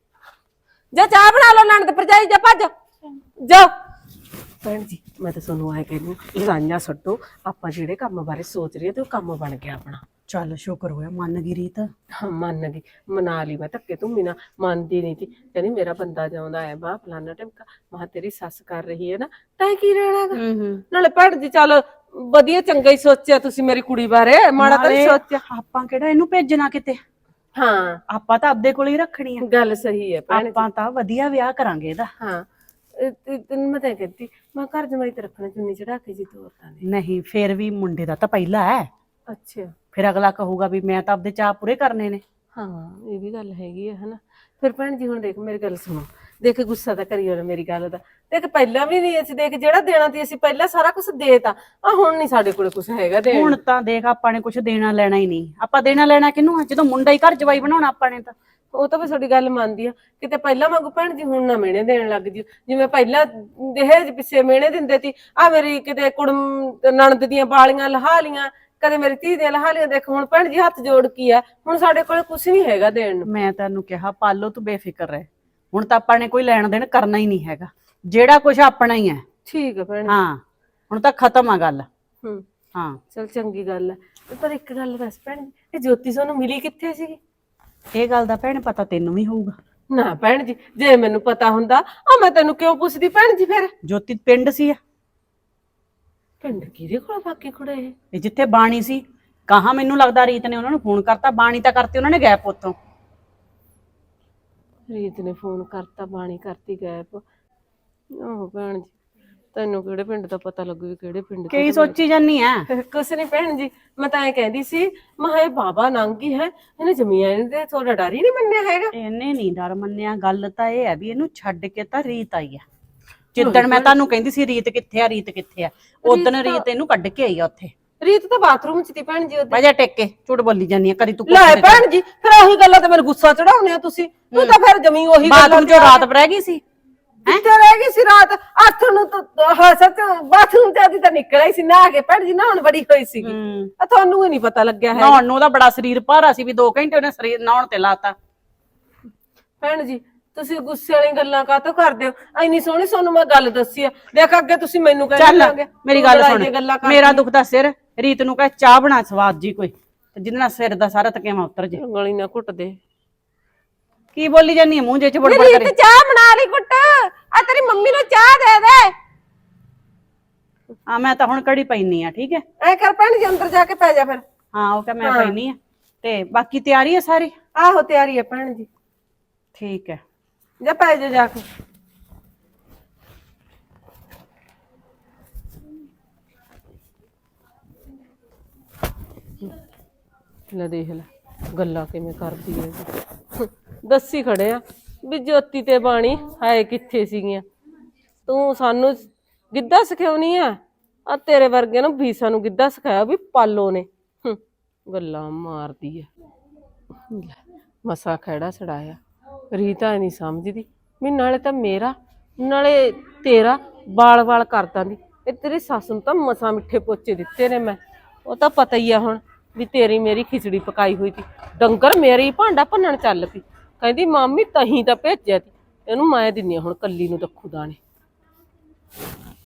Speaker 2: ਜਾ ਚਾਹ ਬਣਾ ਲਓ, ਨਣਦ ਭਰਜਾਈ, ਜਾ ਭੱਜ ਜਾ। ਭੈਣ ਜੀ ਮੈਂ ਤਾਂ ਤੁਹਾਨੂੰ ਆਏ ਕਹਿੰਦੀ, ਲੜਾਈਆਂ ਛੱਡੋ, ਆਪਾਂ ਜਿਹੜੇ ਕੰਮ ਬਾਰੇ ਸੋਚ ਰਹੇ ਤੇ ਉਹ ਕੰਮ ਬਣ ਗਿਆ ਆਪਣਾ।
Speaker 4: ਚੱਲ ਸ਼ੁਕਰ ਹੋਇਆ ਮੰਨ ਗਈ ਰੀਤ।
Speaker 2: ਹਾਂ ਮੰਨ ਗਈ, ਮਨਾ ਲਈ। ਮੈਂ ਧੱਕੇ ਧੁੰਮੀ ਨਾ ਮੰਨਦੀ ਨਹੀਂ ਸੀ, ਕਹਿੰਦੀ ਮੇਰਾ ਬੰਦਾ ਜਾਉਂਦਾ ਹੈ ਬਾਹ ਫਲਾਨਾ ਟਮਕਾ। ਮੈਂ ਤੇਰੀ ਸੱਸ ਕਰ ਰਹੀ ਹੈ ਨਾ, ਤੈਂ ਕੀ ਰਹਿਣਾਗਾ। ਨਾਲੇ ਭੈਣ ਜੀ ਚੱਲ ਵਧੀਆ ਚੰਗਾ ਹੀ ਸੋਚਿਆ ਤੁਸੀਂ ਮੇਰੀ ਕੁੜੀ ਬਾਰੇ, ਮਾੜਾ ਤਾਂ ਨਹੀਂ ਸੋਚਿਆ।
Speaker 4: ਆਪਾਂ ਕਿਹੜਾ ਇਹਨੂੰ ਭੇਜਣਾ ਕਿਤੇ,
Speaker 2: ਹਾਂ
Speaker 4: ਆਪਾਂ ਤਾਂ ਆਪਦੇ ਕੋਲ ਹੀ ਰੱਖਣੀ ਆ।
Speaker 2: ਗੱਲ ਸਹੀ ਹੈ ਭੈਣ ਜੀ।
Speaker 4: ਆਪਾਂ ਤਾਂ ਵਧੀਆ ਵਿਆਹ ਕਰਾਂਗੇ ਇਹਦਾ।
Speaker 2: ਹਾਂ ਤੈਨੂੰ ਮੈਂ ਤਾਂ ਕਹਿੰਦੀ, ਮੈਂ ਘਰ ਜਮਾਈ ਤੇ ਰੱਖਣਾ, ਚੁੰਨੀ ਚੜਾ ਕੇ ਜੀ ਤੋਰਤਾਂ ਨੇ।
Speaker 4: ਨਹੀਂ ਫੇਰ ਵੀ ਮੁੰਡੇ ਦਾ ਤਾਂ ਪਹਿਲਾ ਹੈ,
Speaker 2: ਅੱਛਾ
Speaker 4: ਫਿਰ ਅਗਲਾ ਕਹੂਗਾ ਵੀ ਮੈਂ ਤਾਂ ਆਪਦੇ ਚਾਅ ਪੂਰੇ ਕਰਨੇ ਨੇ।
Speaker 2: ਹਾਂ ਇਹ ਵੀ ਗੱਲ ਹੈਗੀ ਹੈ ਹਨਾ। ਫਿਰ ਭੈਣ ਜੀ ਹੁਣ ਦੇਖ ਮੇਰੀ ਗੱਲ ਸੁਣੋ, ਦੇਖ ਗੁੱਸਾ ਤਾਂ ਕਰੀਓ ਨਾ ਮੇਰੀ ਗੱਲ ਦਾ। ਦੇਖ ਪਹਿਲਾਂ ਵੀ ਨਹੀਂ ਅਸੀਂ, ਦੇਖ ਜਿਹੜਾ ਦੇਣਾ ਸੀ ਅਸੀਂ ਪਹਿਲਾਂ ਸਾਰਾ ਕੁਝ ਦੇਤਾ, ਆ ਹੁਣ ਨਹੀਂ ਸਾਡੇ ਕੋਲ ਕੁਝ ਹੈਗਾ ਦੇਣ।
Speaker 4: ਹੁਣ ਤਾਂ ਦੇਖ ਆਪਾਂ ਨੇ ਕੁਝ ਦੇਣਾ ਲੈਣਾ ਹੀ ਨਹੀਂ। ਆਪਾਂ ਦੇਣਾ ਲੈਣਾ ਕਿਹਨੂੰ ਆ, ਜਦੋਂ ਮੁੰਡਾ ਹੀ ਘਰ ਜਵਾਈ ਬਣਾਉਣਾ ਆਪਾਂ ਨੇ ਤਾਂ।
Speaker 2: ਉਹ ਤਾਂ ਮੈਂ ਤੁਹਾਡੀ ਗੱਲ ਮੰਨਦੀ ਆ, ਕਿਤੇ ਪਹਿਲਾਂ ਵਾਂਗੂ ਭੈਣ ਜੀ ਹੁਣ ਨਾ ਮਿਹਣੇ ਦੇਣ ਲੱਗ ਜੀ, ਜਿਵੇਂ ਪਹਿਲਾਂ ਦਹੇਜ ਪਿੱਛੇ ਮਿਹਣੇ ਦਿੰਦੇ ਸੀ। ਆ ਮੇਰੀ ਕਿਤੇ ਕੁੜਮ ਨਣਦ ਦੀਆਂ ਬਾਲੀਆਂ ਲਹਾ ਲੀਆਂ, ਕਦੇ ਮੇਰੀ ਧੀ ਦੀਆਂ ਲਹਾ ਲੀਆਂ। ਦੇਖ ਹੁਣ ਭੈਣ ਜੀ ਹੱਥ ਜੋੜ ਕੀ ਆ, ਹੁਣ ਸਾਡੇ ਕੋਲ ਕੁਝ ਨਹੀਂ ਹੈਗਾ ਦੇਣ ਨੂੰ।
Speaker 4: ਮੈਂ ਤੈਨੂੰ ਕਿਹਾ ਪਾਲੋ ਤੂੰ ਬੇਫਿਕਰ ਰਹਿ, ਹੁਣ ਤਾਂ ਆਪਾਂ ਨੇ ਕੋਈ ਲੈਣ ਦੇਣ ਕਰਨਾ ਹੀ ਨਹੀਂ ਹੈਗਾ, ਜਿਹੜਾ ਕੁਝ ਆਪਣਾ ਹੀ ਹੈ।
Speaker 2: ਠੀਕ ਹੈ ਭੈਣ।
Speaker 4: ਹਾਂ ਹੁਣ ਤਾਂ ਖਤਮ ਆ ਗੱਲ।
Speaker 2: ਹੂੰ
Speaker 4: ਹਾਂ
Speaker 2: ਚਲ ਚੰਗੀ ਗੱਲ ਹੈ। ਪਰ ਇੱਕ ਗੱਲ ਦੱਸ ਭੈਣ ਜੀ, ਇਹ ਜੋਤੀ ਸਾਨੂੰ ਮਿਲੀ ਕਿੱਥੇ ਸੀਗੀ?
Speaker 4: ਇਹ ਗੱਲ ਦਾ ਭੈਣ ਪਤਾ ਤੈਨੂੰ ਵੀ ਹੋਊਗਾ।
Speaker 2: ਨਾ ਭੈਣ ਜੀ ਜੇ ਮੈਨੂੰ ਪਤਾ ਹੁੰਦਾ ਆ ਮੈਂ ਤੈਨੂੰ ਕਿਉਂ ਪੁੱਛਦੀ ਭੈਣ ਜੀ। ਫਿਰ
Speaker 4: ਜੋਤੀ ਪਿੰਡ ਸੀ
Speaker 2: ਪਿੰਡ ਕਿਹਦੇ ਕੋਲ ਬਾਕੀ ਕੁੜੇ
Speaker 4: ਇਹ ਜਿੱਥੇ ਬਾਣੀ ਸੀ, ਕਹਾ ਮੈਨੂੰ ਲੱਗਦਾ ਰੀਤ ਨੇ ਉਹਨਾਂ ਨੂੰ ਫੋਨ ਕਰਤਾ, ਬਾਣੀ ਤਾਂ ਕਰਤੀ ਉਹਨਾਂ ਨੇ ਗੈਪ ਉੱਥੋਂ।
Speaker 2: ਰੀਤ ਨੇ ਫੋਨ ਕਰਤਾ, ਬਾਣੀ ਕਰਤੀ ਗਾਇਬ। ਆਹੋ ਭੈਣ ਜੀ ਤੈਨੂੰ ਕਿਹੜੇ ਪਿੰਡ ਦਾ ਪਤਾ ਲੱਗੂ ਵੀ ਕਿਹੜੇ ਪਿੰਡ ਤੋਂ?
Speaker 4: ਕੀ ਸੋਚੀ ਜਾਨੀ ਆ?
Speaker 2: ਕੁਛ ਨਹੀਂ ਭੈਣ ਜੀ, ਮੈਂ ਤਾਂ ਐ ਕਹਿੰਦੀ ਸੀ ਮੈਂ ਇਹ ਬਾਬਾ ਨੰਗੀ ਹੈ, ਇਹਨੇ ਜ਼ਮੀਨ ਦੇ ਥੋੜਾ ਡਰ ਹੀ ਨਹੀਂ ਮੰਨਿਆ ਹੈਗਾ।
Speaker 4: ਇਹਨੇ ਨਹੀਂ ਡਰ ਮੰਨਿਆ। ਗੱਲ ਤਾਂ ਇਹ ਹੈ ਵੀ ਇਹਨੂੰ ਛੱਡ ਕੇ ਤਾਂ ਰੀਤ ਆਈ ਆ। ਜਿੱਦਣ ਮੈਂ ਤੁਹਾਨੂੰ ਕਹਿੰਦੀ ਸੀ ਰੀਤ ਕਿੱਥੇ ਆ, ਰੀਤ ਕਿੱਥੇ ਆ, ਉਦਣ ਰੀਤ ਇਹਨੂੰ ਕੱਢ ਕੇ ਆਈ ਆ ਉੱਥੇ।
Speaker 2: ਰੀਤ ਤਾਂ ਬਾਥਰੂਮ ਚ ਸੀ ਭੈਣ ਜੀ ਉਹਦੇ।
Speaker 4: ਵਜਾ ਟੇਕ ਕੇ ਝੂਠ ਬੋਲੀ ਜਾਨੀ ਆ, ਕਦੀ ਤੂੰ
Speaker 2: ਲੈ ਭੈਣ ਜੀ ਫਿਰ ਉਹੀ ਗੱਲਾਂ ਤੇ ਮੈਨੂੰ ਗੁੱਸਾ ਚੜਾਉਨੇ ਆ ਤੁਸੀਂ। ਤੂੰ ਤਾਂ ਫਿਰ ਜ਼ਮੀਨ ਉਹੀ
Speaker 4: ਬਾਥਰੂਮ ਚੋਂ ਰਾਤ ਰਹਿ ਗਈ ਸੀ।
Speaker 2: ਕਿੱਥੇ ਰਹਿ ਗਈ ਸੀ ਰਾਤ? 8 ਨੂੰ ਤਾਂ ਹਾਂ ਸੱਚ ਬਾਥਰੂਮ ਜਾਂਦੀ ਤਾਂ ਨਿਕਲ ਆਈ ਸੀ ਨਹਾ ਕੇ ਭੈਣ ਜੀ, ਨਹਾਉਣ ਬੜੀ ਹੋਈ ਸੀਗੀ। ਆ ਤੁਹਾਨੂੰ ਹੀ ਨਹੀਂ ਪਤਾ ਲੱਗਿਆ ਹੈ।
Speaker 4: ਨਹਾਉਣ ਨੂੰ ਉਹਦਾ ਬੜਾ ਸਰੀਰ ਭਾਰਾ ਸੀ ਵੀ 2 ਘੰਟੇ ਉਹਨੇ ਸਰੀਰ ਨਹਾਉਣ ਤੇ ਲਾਤਾ।
Speaker 2: ਭੈਣ ਜੀ ਤੁਸੀਂ ਗੁੱਸੇ ਵਾਲੀਆਂ ਗੱਲਾਂ ਕਾਹਤੋਂ ਕਰਦੇ ਹੋ? ਇੰਨੀ ਸੋਹਣੀ ਤੁਹਾਨੂੰ ਮੈਂ ਗੱਲ ਦੱਸੀ ਆ, ਦੇਖ ਅੱਗੇ ਤੁਸੀਂ ਮੈਨੂੰ ਕਹਿੰਦੇ
Speaker 4: ਚੱਲ ਮੇਰੀ ਗੱਲ ਸੁਣ, ਮੇਰਾ ਦੁੱਖ ਦਾ ਸਿਰ, ਰੀਤ ਨੂੰ ਕਹੇ ਚਾਹ ਬਣਾ ਸਵਾਦ ਜੀ ਕੋਈ, ਤੇ ਜਿਹਦੇ ਨਾਲ ਸਿਰ ਦਾ ਸਾਰਾ ਤਕੇਵਾ ਉਤਰ ਜੇ।
Speaker 2: ਗਲੀ ਨਾ ਘੁੱਟ ਦੇ।
Speaker 4: ਕੀ ਬੋਲੀ ਜਾਨੀ ਆ ਮੂੰਹ ਜੇ ਚ ਬੜਬੜ
Speaker 2: ਰੀਤ
Speaker 4: ਕਰੇ?
Speaker 2: ਚਾਹ ਬਣਾ ਲਈ ਘੁੱਟ, ਆ ਤੇਰੀ ਮੰਮੀ ਨੂੰ ਚਾਹ ਦੇ ਦੇ।
Speaker 4: ਹਾਂ ਮੈਂ ਤਾਂ ਹੁਣ ਕੜੀ ਪੈਣੀ ਆ, ਠੀਕ ਹੈ?
Speaker 2: ਐ ਕਰ ਭੈਣ ਜੀ ਅੰਦਰ ਜਾ ਕੇ ਪੈ ਜਾ ਫਿਰ।
Speaker 4: ਹਾਂ ਉਹ ਕਹ ਮੈਂ ਪੈਣੀ ਆ, ਤੇ ਬਾਕੀ ਤਿਆਰੀ ਹੈ ਸਾਰੀ?
Speaker 2: ਆਹੋ ਤਿਆਰੀ ਹੈ ਭੈਣ ਜੀ।
Speaker 4: ਠੀਕ ਹੈ
Speaker 2: ਜਾ ਪੈ ਜਾ ਕੇ। ਲੈ ਦੇਖ ਲੈ ਗੱਲਾਂ ਕਿਵੇਂ ਕਰਦੀ ਹੈ। ਦੱਸੀ ਖੜੇ ਆ ਵੀ ਜੋਤੀ ਤੇ ਬਾਣੀ ਹਾਏ ਕਿੱਥੇ ਸੀਗੀਆਂ। ਤੂੰ ਸਾਨੂੰ ਗਿੱਧਾ ਸਿਖਾਉਣੀ ਆ, ਆ ਤੇਰੇ ਵਰਗੇ ਨੂੰ ਵੀ ਸਾਨੂੰ ਗਿੱਧਾ ਸਿਖਾਇਆ ਵੀ ਪਾਲੋ ਨੇ। ਗੱਲਾਂ ਮਾਰਦੀ ਆ। ਮਸਾ ਖੜਾ ਛੜਾਇਆ। ਰੀਤਾ ਨਹੀਂ ਸਮਝਦੀ ਵੀ ਨਾਲੇ ਤਾਂ ਮੇਰਾ ਨਾਲੇ ਤੇਰਾ ਵਾਲ ਕਰਦਾਂ ਦੀ। ਇਹ ਤੇਰੀ ਸੱਸ ਨੂੰ ਤਾਂ ਮਸਾ ਮਿੱਠੇ ਪੋਚੇ ਦਿੱਤੇ ਨੇ ਮੈਂ, ਉਹ ਤਾਂ ਪਤਾ ਹੀ ਆ ਹੁਣ ਵੀ ਤੇਰੀ ਮੇਰੀ ਖਿਚੜੀ ਪਕਾਈ ਹੋਈ ਸੀ। ਡੰਗਰ ਮੇਰੀ ਭਾਂਡਾ ਭੰਨਣ ਚੱਲ ਪਈ, ਕਹਿੰਦੀ ਮਾਮੀ ਤਹੀਂ ਤਾਂ ਭੇਜਿਆ ਤੀ, ਇਹਨੂੰ ਮੈਂ ਦਿੰਨੀ ਆ ਹੁਣ ਕੱਲੀ ਨੂੰ ਦੱਖੂ ਦਾਣੇ।